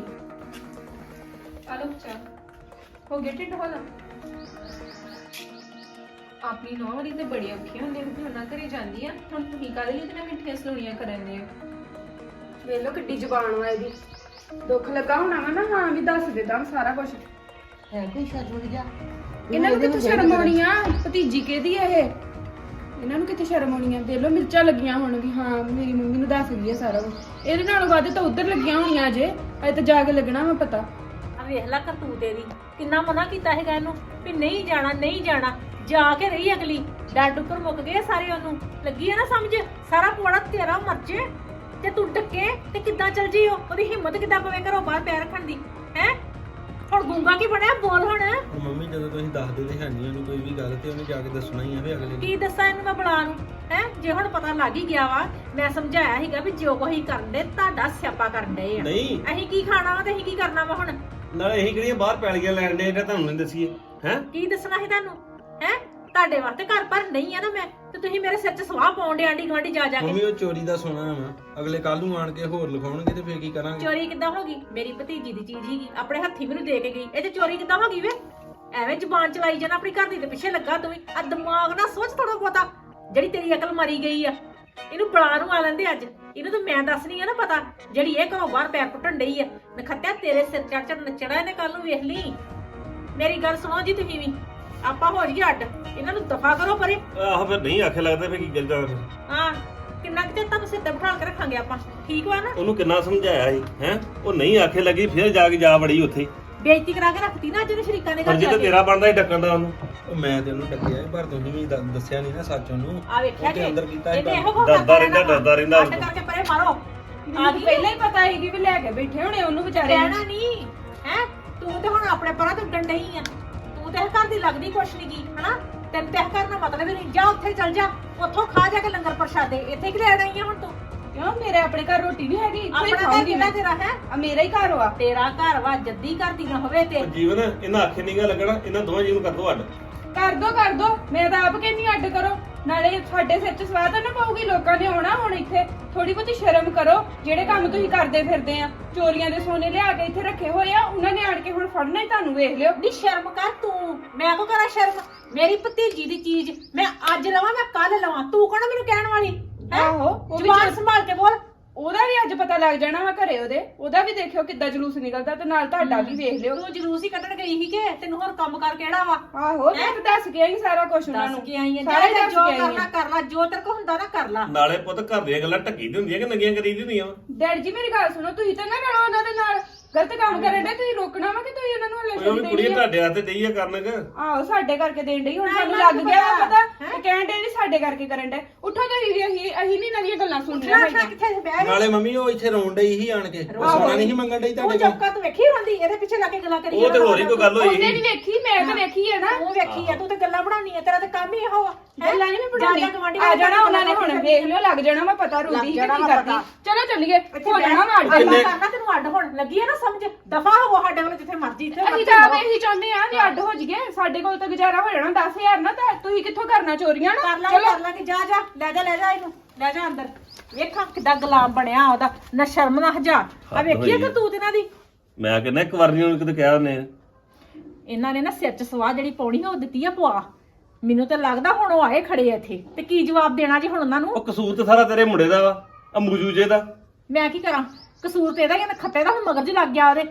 ਆਲੋ ਚਾਹ ਹੋ ਗਿਆ ਢਿੱਡ ਹੋਲਾ। ਆਪਣੀ ਨੌਂ ਵਾਲੀ ਤੇ ਬੜੀ ਔਖੀ ਹੁੰਦੀ ਹੈ, ਫਿਰ ਉਹਨਾਂ ਘਰੇ ਜਾਂਦੀ ਆ। ਹੁਣ ਤੁਸੀਂ ਕਾਹਦੇ ਲਈ ਉਹਦੇ ਨਾਲ ਮਿੱਠੀਆਂ ਸਲੋਣੀਆਂ ਕਰਨ ਦੇ ਹੋ? ਵੇਖ ਲਓ ਕਿੱਡੀ ਜ਼ੁਬਾਨ ਵਾ ਇਹਦੀ, ਦੁੱਖ ਲੱਗਾ ਹੋਣਾ ਵਾ ਨਾ, ਹਾਂ ਵੀ ਦੱਸ ਦੇ ਤਾਂ ਸਾਰਾ ਕੁਝ। ਹੈ ਕੋਈ ਸ਼ਰਮ ਜਾ ਇਹਨਾਂ ਨੂੰ ਕਿੱਥੇ ਸ਼ਰਮ ਆਉਣੀ ਆ, ਭਤੀਜੀ ਕਿਹਦੀ ਆ ਇਹ, ਇਹਨਾਂ ਨੂੰ ਕਿੱਥੇ ਸ਼ਰਮ ਆਉਣੀ ਆ। ਦੇਖ ਲਓ ਮਿਰਚਾਂ ਲੱਗੀਆਂ ਹੁਣ ਵੀ ਹਾਂ ਮੇਰੀ ਮੰਮੀ ਨੂੰ ਦੱਸ ਗਈ ਆ ਸਾਰਾ ਕੁਝ, ਇਹਦੇ ਨਾਲੋਂ ਵੱਧ ਤਾਂ ਉੱਧਰ ਲੱਗੀਆਂ ਹੋਣੀਆਂ ਅਜੇ, ਅਜੇ ਤਾਂ ਜਾ ਕੇ ਲੱਗਣਾ ਵਾ ਪਤਾ। ਆ ਵੇਖ ਲੈ ਕਰਤੂਤ ਇਹਦੀ, ਕਿੰਨਾ ਮਨਾ ਕੀਤਾ ਹੈਗਾ ਇਹਨੂੰ ਵੀ ਨਹੀਂ ਜਾਣਾ ਨਹੀਂ ਜਾਣਾ, ਜਾ ਕੇ ਰਹੀ ਅਗਲੀ। ਡੱਡ ਉੱਪਰ ਮੁੱਕ ਗਏ ਸਾਰੇ, ਉਹਨੂੰ ਲੱਗੀ ਹੈ ਨਾ ਸਮਝ, ਸਾਰਾ ਪੁਆੜਾ ਤੇਰਾ ਮਰਜੇ ਤੇ ਤੂੰ ਡੱਕੇ ਤੇ ਕਿੱਦਾਂ ਚੱਲ ਜੀ। ਉਹਦੀ ਹਿੰਮਤ ਕਿੱਦਾਂ ਪਵੇ ਘਰੋਂ ਬਾਹਰ ਪੈਰ ਰੱਖਣ ਦੀ ਹੈ। ਹੁਣ ਗੂੰਗਾ ਕੀ ਬਣਿਆ, ਬੋਲ ਹੁਣ। ਮੰਮੀ ਜਦੋਂ ਤੁਸੀਂ ਦੱਸਦੇ ਤੇ ਹੈ ਨਹੀਂ ਉਹਨੂੰ ਕੋਈ ਵੀ ਗੱਲ, ਤੇ ਉਹਨੇ ਜਾ ਕੇ ਦੱਸਣਾ ਹੀ ਆ ਵੀ ਅਗਲੇ ਨੂੰ। ਕੀ ਦੱਸਾਂ ਇਹਨੂੰ ਮੈਂ ਬੁਲਾ ਨੂੰ ਹੈ, ਜੇ ਹੁਣ ਪਤਾ ਲੱਗ ਹੀ ਗਿਆ ਵਾ। ਮੈਂ ਸਮਝਾਇਆ ਸੀਗਾ ਵੀ ਜੋ ਕੋਈ ਕਰਨ ਦੇ ਤੁਹਾਡਾ ਸਿਆਪਾ ਕਰਨ ਦੇ ਆ, ਨਹੀਂ ਅਸੀਂ ਕੀ ਖਾਣਾ ਵਾ ਤੇ ਅਸੀਂ ਕੀ ਕਰਨਾ ਵਾ। ਹੁਣ ਨਾਲੇ ਇਹੀ ਕਿਹੜੀਆਂ ਬਾਹਰ ਪੈਲੀਆਂ ਲੈਣ ਦੇ ਜਿਹੜਾ ਤੁਹਾਨੂੰ ਨਹੀਂ ਦਸੀਏ ਹੈ। ਕੀ ਦੱਸਣਾ ਸੀ ਤੁਹਾਨੂੰ ਹੈ, ਤੁਹਾਡੇ ਵਾਸਤੇ ਘਰ ਪਰ ਨਹੀਂ ਆ ਨਾ ਮੈਂ, ਤੇ ਤੁਸੀਂ ਮੇਰੇ ਸਿਰ 'ਚ ਸਵਾਹ ਪਾਉਂਦੇ ਆਂਢੀ ਗੁਆਂਢੀ ਜਾ ਜਾ ਮੰਮੀ ਕੇ। ਉਹ ਚੋਰੀ ਦਾ ਸੋਨਾ ਵਾ, ਅਗਲੇ ਕੱਲ ਨੂੰ ਆਣ ਕੇ ਹੋਰ ਲਿਖਾਉਣਗੇ ਤੇ ਫੇਰ ਕੀ ਕਰਾਂਗੇ। ਚੋਰੀ ਕਿੱਦਾਂ ਹੋ ਗਈ? ਮੇਰੀ ਭਤੀਜੀ ਦੀ ਚੀਜ਼ ਹੀਗੀ, ਆਪਣੇ ਹੱਥੀ ਮੈਨੂੰ ਦੇ ਕੇ ਗਈ, ਇਹ ਤੇ ਚੋਰੀ ਕਿੱਦਾਂ ਹੋ ਗਈ ਵੇ? ਐਵੇਂ ਜ਼ੁਬਾਨ ਚਲਾਈ ਜਾਣਾ, ਆਪਣੀ ਘਰ ਦੀ ਦੇ ਪਿੱਛੇ ਲੱਗਾ ਤੂੰ ਵੀ। ਆ ਦਿਮਾਗ ਨਾ ਸੋਚ ਥੋੜਾ ਬਹੁਤਾ, ਜਿਹੜੀ ਤੇਰੀ ਅਕਲ ਮਾਰੀ ਗਈ ਆ। ਇਹਨੂੰ ਬੁਲਾ ਨੂੰ ਆ ਲੈਂਦੇ ਅੱਜ, ਇਹਨੂੰ ਤਾਂ ਮੈਂ ਦੱਸਣੀ ਆ ਨਾ ਪਤਾ, ਜਿਹੜੀ ਇਹ ਘਰੋਂ ਬਾਹਰ ਪੈਰ ਪੁੱਟਣ ਡਈ ਆ। ਨਖੱਤਿਆ ਤੇਰੇ ਸਿਰ ਚੜ ਚੜ ਨੱਚਣਾ ਇਹਨੇ ਕੱਲ ਨੂੰ, ਵੇਖ ਲਈ। ਮੇਰੀ ਗੱਲ ਸੁਣੋ ਜੀ ਤੁਸੀਂ ਵੀ, ਆਪਾਂ ਹੋ ਜੀ ਅੱਡ, ਇਹਨਾਂ ਨੂੰ ਦਫਾ ਕਰੋ ਪਰੇ। ਆਹ ਫਿਰ ਨਹੀਂ ਆਖੇ ਲੱਗਦਾ ਫੇਰ ਕੀ ਕਰਦਾ ਫਿਰ। ਹਾਂ ਕਿੰਨਾ ਕਿਤੇ ਤੁਹਾਨੂੰ ਸਿਰ ਤੇ ਬਿਠਾ ਕੇ ਰੱਖਾਂਗੇ ਆਪਾਂ, ਠੀਕ ਵਾ ਨਾ? ਉਹਨੂੰ ਕਿੰਨਾ ਸਮਝਾਇਆ ਸੀ ਹੈ, ਉਹ ਨਹੀਂ ਆਖੇ ਲੱਗੀ, ਫਿਰ ਜਾ ਕੇ ਜਾ ਵੜੀ ਉੱਥੇ। ਬੇਇੱਜ਼ਤੀ ਕਰਾ ਕੇ ਰੱਖਤੀ ਨਾ ਅੱਜ ਉਹਨੇ ਸ਼ਰੀਕਾਂ ਦੇ ਘਰ ਫਰਜ਼ ਜਾ ਤਾਂ ਕੇ। ਤੇਰਾ ਬਣਦਾ ਸੀ ਡੱਕਣ ਦਾ ਉਹਨੂੰ। ਉਹ ਮੈਂ ਤੇ ਉਹਨੂੰ ਡੱਕਿਆ ਸੀ, ਪਰ ਤੁਸੀਂ ਵੀ ਦ- ਦੱਸਿਆ ਨਹੀਂ ਨਾ ਸੱਚ ਉਹਨੂੰ। ਆ ਵੇਖਿਆ ਉਹ ਤੇ ਜੀ, ਅੰਦਰ ਕੀਤਾ ਸੀ ਇਹਨੇ ਕੰਮ। ਇਹੋ ਕੁਛ ਡਰਦਾ ਕਰਦਾ ਰਹਿੰਦਾ, ਡਰਦਾ ਰਹਿੰਦਾ। ਅੱਡ ਕਰਕੇ ਪਰੇ ਮਾਰੋ। ਮੈਨੂੰ ਪਹਿਲਾਂ ਹੀ ਪਤਾ ਸੀ ਕਿ ਵੀ ਲੈ ਕੇ ਬੈਠੇ ਹੋਣੇ ਉਹਨੂੰ ਵਿਚਾਰੇ ਨੂੰ। ਰਹਿਣਾ ਨਹੀਂ ਹੈ, ਤੂੰ ਤੇ ਹੁਣ ਆਪਣੇ ਪਰਾਂ ਤੋਂ ਉੱਡਣ ਡਈ ਆ। ਤੂੰ ਤੇ ਇਹ ਘਰ ਦੀ ਲੱਗਦੀ ਕੁਛ ਨਹੀਂ ਕੀ ਹਨਾ, ਤੈਨੂੰ ਤੇ ਇਹ ਕਰਨਾ ਮਤਲਬ ਹੀ ਨਹੀਂ। ਜਾ ਉੱਥੇ ਚੱਲ ਜਾ, ਉੱਥੋਂ ਖਾ ਜਾ ਕੇ ਲੰਗਰ ਪ੍ਰਸ਼ਾਦੇ, ਇੱਥੇ ਕਿ ਲੈਣ ਆਈ ਆ ਹੁਣ ਤੂੰ? ਕਿਉਂ ਮੇਰੇ ਆਪਣੇ ਘਰ ਰੋਟੀ ਨਹੀਂ ਹੈਗੀ, ਇੱਥੇ ਹੀ ਆਪਣਾ ਘਰ ਖਾਉਂਗੀ ਕਿਹੜਾ ਮੈਂ। ਤੇਰਾ ਹੈ? ਆ ਮੇਰਾ ਹੀ ਘਰ ਵਾ। ਤੇਰਾ ਘਰ ਵਾ, ਜੱਦੀ ਘਰ ਦੀ ਨਾ ਹੋਵੇ ਤੇ। ਉਹ ਜੀਵਨ ਇਹਨਾਂ ਆਖੇ ਨਹੀਂ ਗਾ ਲੱਗਣਾ, ਇਹਨਾਂ ਦੋਵਾਂ ਜੀ ਨੂੰ ਕਰ ਦੋ ਅੱਡ। ਕਰ ਦੋ ਕਰ ਦੋ, ਮੈਂ ਤਾਂ ਆਪ ਕਹਿੰਦੀ ਅੱਡ ਕਰੋ। ਨਾਲੇ ਸਾਡੇ ਸਿਰ 'ਚ ਸਵਾਦ ਨਾ ਪਾਊਗੀ, ਲੋਕਾਂ ਨੇ ਆਉਣਾ ਹੁਣ ਇੱਥੇ। ਥੋੜੀ ਬਹੁਤੀ ਸ਼ਰਮ ਕਰੋ, ਜਿਹੜੇ ਕੰਮ ਤੁਸੀਂ ਕਰਦੇ ਫਿਰਦੇ ਆ, ਚੋਰੀਆਂ ਦੇ ਸੋਨੇ ਲਿਆ ਕੇ ਇੱਥੇ ਰੱਖੇ ਹੋਏ ਆ, ਉਹਨਾਂ ਨੇ ਆਣ ਕੇ ਹੁਣ ਫੜਨਾ ਹੀ ਤੁਹਾਨੂੰ, ਵੇਖ ਲਿਓ। ਨੀ ਸ਼ਰਮ ਕਰ ਤੂੰ, ਮੈਂ ਕੋ ਕਰਾਂ ਸ਼ਰਮ? ਮੇਰੀ ਭਤੀਜੀ ਦੀ ਚੀਜ਼ ਮੈਂ ਅੱਜ ਲਵਾਂ, ਮੈਂ ਕੱਲ ਲਵਾਂ, ਤੂੰ ਕੌਣ ਮੈਨੂੰ ਕਹਿਣ ਵਾਲੀ ਹੈਂ? ਆਹੋ, ਉਹ ਵੀ ਜ਼ੁਬਾਨ ਚੱਲ- ਸੰਭਾਲ ਕੇ ਬੋਲ। ਉਹਦਾ ਵੀ ਅੱਜ ਪਤਾ ਲੱਗ ਜਾਣਾ ਵਾ ਘਰੇ ਉਹਦੇ, ਉਹਦਾ ਵੀ ਦੇਖਿਓ ਕਿੱਦਾਂ ਜਲੂਸ ਨਿਕਲਦਾ, ਤੇ ਨਾਲ ਤੁਹਾਡਾ ਵੀ ਵੇਖ ਲਿਓ। ਤੂੰ ਜਲੂਸ ਹੀ ਕੱਢਣ ਗਈ ਸੀ ਕਿ ਤੈਨੂੰ ਹੋਰ ਕੰਮ ਕਰ ਕਿਹੜਾ ਵਾ? ਆਹੋ, ਮੈਂ ਤਾਂ ਦੱਸ ਕੇ ਆਈ ਸਾਰਾ ਕੁਝ ਉਹਨਾਂ ਦੱਸ ਨੂੰ, ਕੇ ਆਈ ਆ, ਸਾਰਾ ਹੀ ਜਾ ਦੱਸ ਜੋ ਕੇ ਆਈ ਕਰਨਾ ਆ। ਕਰ ਲਾ, ਜੋ ਤੇਰੇ ਕੋ ਹੁੰਦਾ ਨਾ ਕਰ ਲਾ। ਨਾਲੇ ਪੁੱਤ ਘਰ ਦੀਆਂ ਗੱਲਾਂ ਢੱਕੀ ਦੀ ਹੁੰਦੀਆਂ ਕਿ ਨੰਗੀਆਂ ਕਰੀ ਦੀ ਹੁੰਦੀਆਂ ਵਾ? ਡੈਡ ਜੀ ਮੇਰੀ ਗੱਲ ਸੁਣੋ, ਤੁਸੀਂ ਤਾਂ ਨਾ ਰਲੋ ਉਹਨਾਂ ਦੇ ਨਾਲ, ਗਲਤ ਕੰਮ ਕਰਨ ਦੇ, ਤੁਸੀਂ ਰੋਕਣਾ ਵਾ ਕਿ ਤੁਸੀਂ ਉਹਨਾਂ ਨੂੰ ਹਲੇ ਉਹ ਵੀ ਛੱਡ ਕੁੜੀਆਂ ਦੇਣੀ ਆ? ਤੁਹਾਡੇ ਹੱਥੇ ਡਈ ਆ ਕਰਨ ਕਿ ਆਹੋ, ਸਾਡੇ ਕਰਕੇ ਦੇਣ ਡਈ, ਹੁਣ ਨਾ, ਸਾਨੂੰ ਇਹਨਾਂ ਲੱਗ ਨੂੰ ਗਿਆ ਵਾ ਪਤਾ, ਪਤਾ, ਤੇ ਕਹਿਣ ਦੇ ਵੀ ਸਾਡੇ ਕਰਕੇ ਕਰਨ ਦੇ। ਉੱਠੋ ਤੁਸੀਂ ਵੀ, ਅਸੀਂ ਅਸੀਂ ਨਹੀਂ ਨਵੀਆਂ ਗੱਲਾਂ ਸੁਣਨੀਆਂ ਉੱਠਣਾ ਹੈਗੀਆਂ। ਕਿੱਥੇ ਬਹਿ ਨਾਲੇ ਮੰਮੀ ਉਹ ਇੱਥੇ ਰੋਣ ਡਈ ਸੀ ਆਣ ਕੇ, ਉਹ ਸੋਨਾ ਨਹੀਂ ਸੀ ਮੰਗਣ ਡਈ ਉਹ ਤੁਹਾਡੇ ਕੋਲ। ਚੌਕਾ ਤੂੰ ਵੇਖੀ ਹੁੰਦੀ, ਇਹਦੇ ਪਿੱਛੇ ਲਾ ਕੇ ਗੱਲਾਂ ਕਰੀ ਉਹ ਤੇ ਹੋਰ ਹੀ ਕੋਈ ਗੱਲ ਹੋਈ ਉਹਨੇ ਵੀ ਵੇਖੀ, ਮੈਂ ਤਾਂ ਵੇਖੀ ਹੈ ਨਾ। ਤੂੰ ਵੇਖੀ ਆ, ਤੂੰ ਤੇ ਗੱਲਾਂ ਬਣਾਉਣੀ ਆ, ਤੇਰਾ ਤੇ ਕੰਮ ਹੀ ਇਹੋ ਆ। ਹੈਂ? ਗੱਲਾਂ ਨਹੀਂ ਮੈਂ ਜਾ ਜਾ ਬਣਾਉਣੀ, ਗਵਾਂਢੀ ਆ ਜਾਣਾ ਨਾਲ ਉਹਨਾਂ ਨੇ, ਹੁਣ ਵੇਖ ਲਿਓ, ਲੱਗ ਜਾਣਾ ਵਾ ਪਤਾ, ਰੋਦੀ ਸੀ ਕਿ ਜਾਣਾ ਕੀ ਵਾ ਕਰਦੀ। ਪਤਾ। ਚਲੋ ਚੱਲੀਏ, ਇੱਥੇ ਹੋ ਜਾਣਾ ਵਾ ਅੱਡ। ਅੱਡ ਕਰਨਾ ਤੈਨੂੰ ਅੱਡ ਹੋਣ ਲੱਗੀ ਆ ਨਾ ਸਮਝ, ਦਫਾ ਹੋ ਸਾਡੇ ਵੱਲ, ਜਿੱਥੇ ਮਰਜੀ ਇੱਥੇ ਅਸੀਂ ਤਾਂ ਆਪ ਇਹੀ ਚਾਹੁੰਦੇ ਆ ਕਿ ਅੱਡ ਹੋ ਜਾਈਏ, ਸਾਡੇ ਕੋਲ ਤਾਂ ਗੁਜ਼ਾਰਾ ਹੋ ਜਾਣਾ ਦਸ ਹਜ਼ਾਰ ਨਾ, ਤਾਂ ਤੁਸੀਂ ਕਿੱਥੋਂ ਕਰਨਾ ਚੋਰੀਆਂ ਕਰ ਨਾ। ਲਾ ਕਰ ਲਾਂਗੇ, ਜਾ ਜਾ ਲੈ ਜਾ ਲੈ ਜਾ ਇਹਨੂੰ, ਲੈ ਜਾ ਅੰਦਰ। ਵੇਖਾਂ ਕਿੱਦਾਂ ਗੁਲਾਮ ਬਣਿਆ ਉਹਦਾ, ਨਾ ਸ਼ਰਮ ਨਾ ਹਜਾ। ਆ ਵੇਖੀਏ ਕਿ ਤੂੰ ਇਹਨਾਂ ਦੀ, ਮੈਂ ਕਹਿੰਦਾ ਇੱਕ ਵਾਰ ਨਹੀਂ ਉਹਨੂੰ ਕਿਤੇ ਕਿਹਾ ਉਹਨੇ। ਇਹਨਾਂ ਨੇ ਨਾ ਸਿਰ 'ਚ ਸਵਾਹ ਜਿਹੜੀ ਪਾਉਣੀ ਆ ਉਹ ਦਿੱਤੀ ਆ ਪਵਾ। ਮੈਨੂੰ ਤਾਂ ਲੱਗਦਾ ਹੁਣ ਉਹ ਆਏ ਖੜੇ ਆ ਇੱਥੇ, ਤੇ ਕੀ ਜਵਾਬ ਦੇਣਾ ਜੀ ਹੁਣ ਉਹਨਾਂ ਨੂੰ? ਉਹ ਕਸੂਰ ਤੇ ਸਾਰਾ ਤੇਰੇ ਮੁੰਡੇ ਦਾ ਵਾ, ਆ ਮੂਜੂਜੇ ਦਾ। ਮੈਂ ਕੀ ਕਰਾਂ? ਕਸੂਰ ਤੇ ਇਹਦਾ ਹੀ ਆ, ਖੱਤੇ ਦਾ ਹੁਣ ਮਗਰ ਜੀ ਲੱਗ ਗਿਆ ਉਹਦੇ।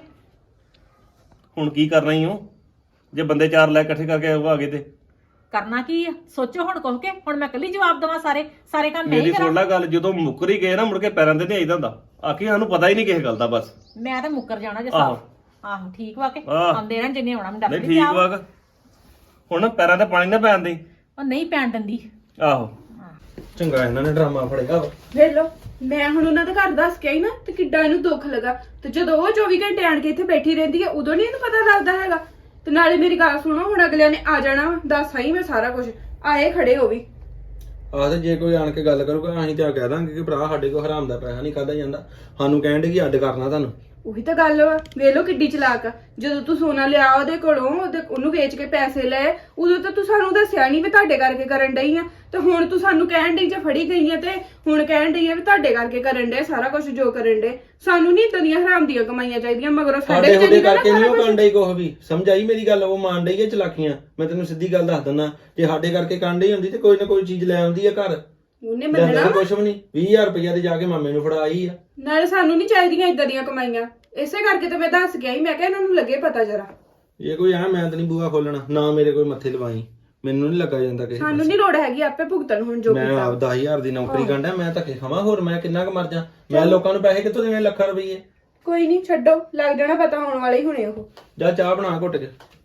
ਹੁਣ ਕੀ ਕਰਨਾ ਹੀ ਉਹ, ਜੇ ਬੰਦੇ ਚਾਰ ਲੈ ਇਕੱਠੇ ਕਰਕੇ ਉਹ ਆ ਗਏ ਤੇ? ਕਰਨਾ ਕੀ ਆ? ਸੋਚੋ ਹੁਣ ਕਹੋ ਕਿ ਹੁਣ ਮੈਂ ਇਕੱਲੀ ਜਵਾਬ ਦੇਵਾਂ ਸਾਰੇ ਸਾਰੇ ਕੰਮ ਮੈਂ ਹੀ ਮੇਰੀ ਕਰਾਂ? ਸੁਣ ਲੈ ਗੱਲ, ਜਦੋਂ ਮੁੱਕਰ ਹੀ ਗਏ ਨਾ ਮੁੜ ਕੇ ਪੈਰਾਂ ਤੇ ਨਹੀਂ ਆਈਦਾ ਹੁੰਦਾ। ਆਖੀ ਸਾਨੂੰ ਪਤਾ ਹੀ ਨਹੀਂ ਕਿਸੇ ਗੱਲ ਦਾ ਬਸ। ਮੈਂ ਤਾਂ ਮੁੱਕਰ ਜਾਣਾ ਜੇ ਆਹੋ। ਸਾਫ। ਆਹੋ ਠੀਕ ਵਾ ਕੇ ਆਹ। ਆਉਂਦੇ ਰਹਿਣ ਜਿੰਨੇ ਆਉਣਾ, ਮੈਂ ਦੱਸ ਨਹੀਂ ਨਹੀਂ ਠੀਕ ਵਾ ਗਾ। ਹੁਣ ਪੈਰਾਂ ਤੇ ਪਾਣੀ ਨਾ ਪੈਣ ਦੇ। ਉਹ ਨਹੀਂ ਪੈਣ ਦਿੰਦੀ। ਆਹੋ ਚੰਗਾ ਇਹਨਾਂ ਨੇ ਡਰਾਮਾ ਫੜਿਆ ਵਾ। ਵੇਖ ਲਓ, ਮੈਂ ਹੁਣ ਉਹਨਾਂ ਦੇ ਘਰ ਦੱਸ ਕੇ ਆਈ ਨਾ, ਤੇ ਕਿੱਡਾ ਇਹਨੂੰ ਦੁੱਖ ਲੱਗਾ। ਤੇ ਜਦੋਂ ਉਹ ਚੌਵੀ ਘੰਟੇ ਆਣ ਕੇ ਇੱਥੇ ਬੈਠੀ ਰਹਿੰਦੀ ਹੈ, ਉਦੋਂ ਨਹੀਂ ਇਹਨੂੰ ਪਤਾ ਲੱਗਦਾ ਹੈਗਾ। ਤੇ ਨਾਲੇ ਮੇਰੀ ਗੱਲ ਸੁਣੋ, ਹੁਣ ਅਗਲਿਆਂ ਨੇ ਆ ਜਾਣਾ ਵਾ, ਦੱਸ ਆਈ ਮੈਂ ਸਾਰਾ ਕੁਝ, ਆਏ ਖੜੇ ਹੋ ਵੀ। ਆਹ ਤੇ ਜੇ ਕੋਈ ਆਣ ਕੇ ਗੱਲ ਕਰੂਗਾ, ਅਸੀਂ ਤਾਂ ਕਹਿ ਦਾਂਗੇ ਕਿ ਭਰਾ ਸਾਡੇ ਕੋਲ ਹਰਾਮ ਦਾ ਪੈਸਾ ਨਹੀਂ ਖਾਦਾ ਜਾਂਦਾ, ਸਾਨੂੰ ਕਹਿਣ ਦੇ ਕਿ ਅੱਡ ਕਰਨਾ ਤੁਹਾਨੂੰ। ਉਹੀ ਤਾਂ ਗੱਲ ਵਾ, ਵੇਖ ਲਓ ਕਿੱਡੀ ਚਲਾਕ ਆ। ਜਦੋਂ ਤੂੰ ਸੋਨਾ ਲਿਆ ਉਹਦੇ ਕੋਲੋਂ, ਉਹਦੇ ਉਹਨੂੰ ਵੇਚ ਕੇ ਪੈਸੇ ਲਏ, ਉਦੋਂ ਤਾਂ ਤੂੰ ਸਾਨੂੰ ਦੱਸਿਆ ਨਹੀਂ ਵੀ ਤੁਹਾਡੇ ਕਰਕੇ ਕਰਨ ਡਈ ਆ। ਤੇ ਹੁਣ ਤੂੰ ਸਾਨੂੰ ਕਹਿਣ ਡਈ ਜੇ ਫੜੀ ਗਈ ਆ, ਤੇ ਹੁਣ ਕਹਿਣ ਡਈ ਆ ਵੀ ਤੁਹਾਡੇ ਕਰਕੇ ਕਰਨ ਡੇ ਸਾਰਾ ਕੁਝ ਜੋ ਕਰਨ ਡੇ। ਸਾਨੂੰ ਨਹੀਂ ਇਦਾਂ ਦੀਆਂ ਹਰਾਮ ਦੀਆਂ ਕਮਾਈਆਂ ਚਾਹੀਦੀਆਂ, ਮਗਰੋਂ ਸਾਡੇ ਸਾਡੇ ਉਹਦੇ ਤੇ ਨਾ ਕਰਕੇ ਨਹੀਂ ਉਹ ਸਾਰਾ ਕਰਨ ਡਈ ਕੁਛ ਵੀ, ਸਮਝ ਆਈ ਮੇਰੀ ਗੱਲ? ਉਹ ਮਾਣ ਡਈ ਹੈ ਚਲਾਕੀਆਂ। ਮੈਂ ਤੈਨੂੰ ਸਿੱਧੀ ਗੱਲ ਦੱਸ ਦਿੰਦਾ, ਜੇ ਸਾਡੇ ਕਰਕੇ ਕਰਨ ਡਈ ਹੁੰਦੀ ਤੇ ਕੋਈ ਨਾ ਕੋਈ ਚੀਜ਼ ਲੈ ਆਉਂਦੀ ਆ ਘਰ। ਉਹਨੇ ਲੈਂਦਾ ਮੰਨਣਾ ਤਾਂ ਕੁਛ ਵੀ ਨਹੀਂ, ਵੀਹ ਹਜ਼ਾਰ ਰੁਪਇਆ ਤੇ ਜਾ ਕੇ ਮਾਮੇ ਨੂੰ ਫੜਾ ਆਈ ਆ। ਨਾਲੇ ਸਾਨੂੰ ਨਹੀਂ ਚਾਹੀਦੀਆਂ ਇਦਾਂ ਦੀਆਂ ਕਮਾਈਆਂ, ਇਸੇ ਕਰਕੇ ਤਾਂ ਮੈਂ ਦੱਸ ਕੇ ਆਈ। ਮੈਂ ਕਿਹਾ ਇਹਨਾਂ ਨੂੰ ਲੱਗੇ ਪਤਾ ਜਰਾ। ਇਹ ਕੋਈ ਆ ਮੈਂ ਤਾਂ ਨਹੀਂ ਬੂਆ ਖੋਲਣਾ, ਨਾ ਮੇਰੇ ਕੋਈ ਮੱਥੇ ਲਵਾਈ, ਮੈਨੂੰ ਨਹੀਂ ਲੱਗਾ ਜਾਂਦਾ ਕਿਸੇ ਸਾਨੂੰ ਪਾਸੇ। ਨਹੀਂ ਲੋੜ ਹੈਗੀ, ਆਪੇ ਭੁਗਤਣ ਹੁਣ ਜੋ ਮੈਂ ਕੀਤਾ। ਆਪ ਦਸ ਹਜ਼ਾਰ ਦੀ ਨੌਕਰੀ ਕਰਦਾ, ਮੈਂ ਧੱਕੇ ਖਾਵਾਂ, ਹੋਰ ਮੈਂ ਕਿੰਨਾ ਕੁ ਮਰ ਜਾ? ਮੈਂ ਲੋਕਾਂ ਨੂੰ ਪੈਸੇ ਕਿੱਥੋਂ ਦੇਵੇਂ ਲੱਖਾਂ ਰੁਪਈਏ? ਕੋਈ ਨਹੀਂ, ਛੱਡੋ, ਲੱਗ ਜਾਣਾ ਪਤਾ, ਆਉਣ ਵਾਲੇ ਹੀ ਹੋਣੇ ਉਹ। ਜਾ ਚਾਹ ਬਣਾ ਘੁੱਟ ਕੇ।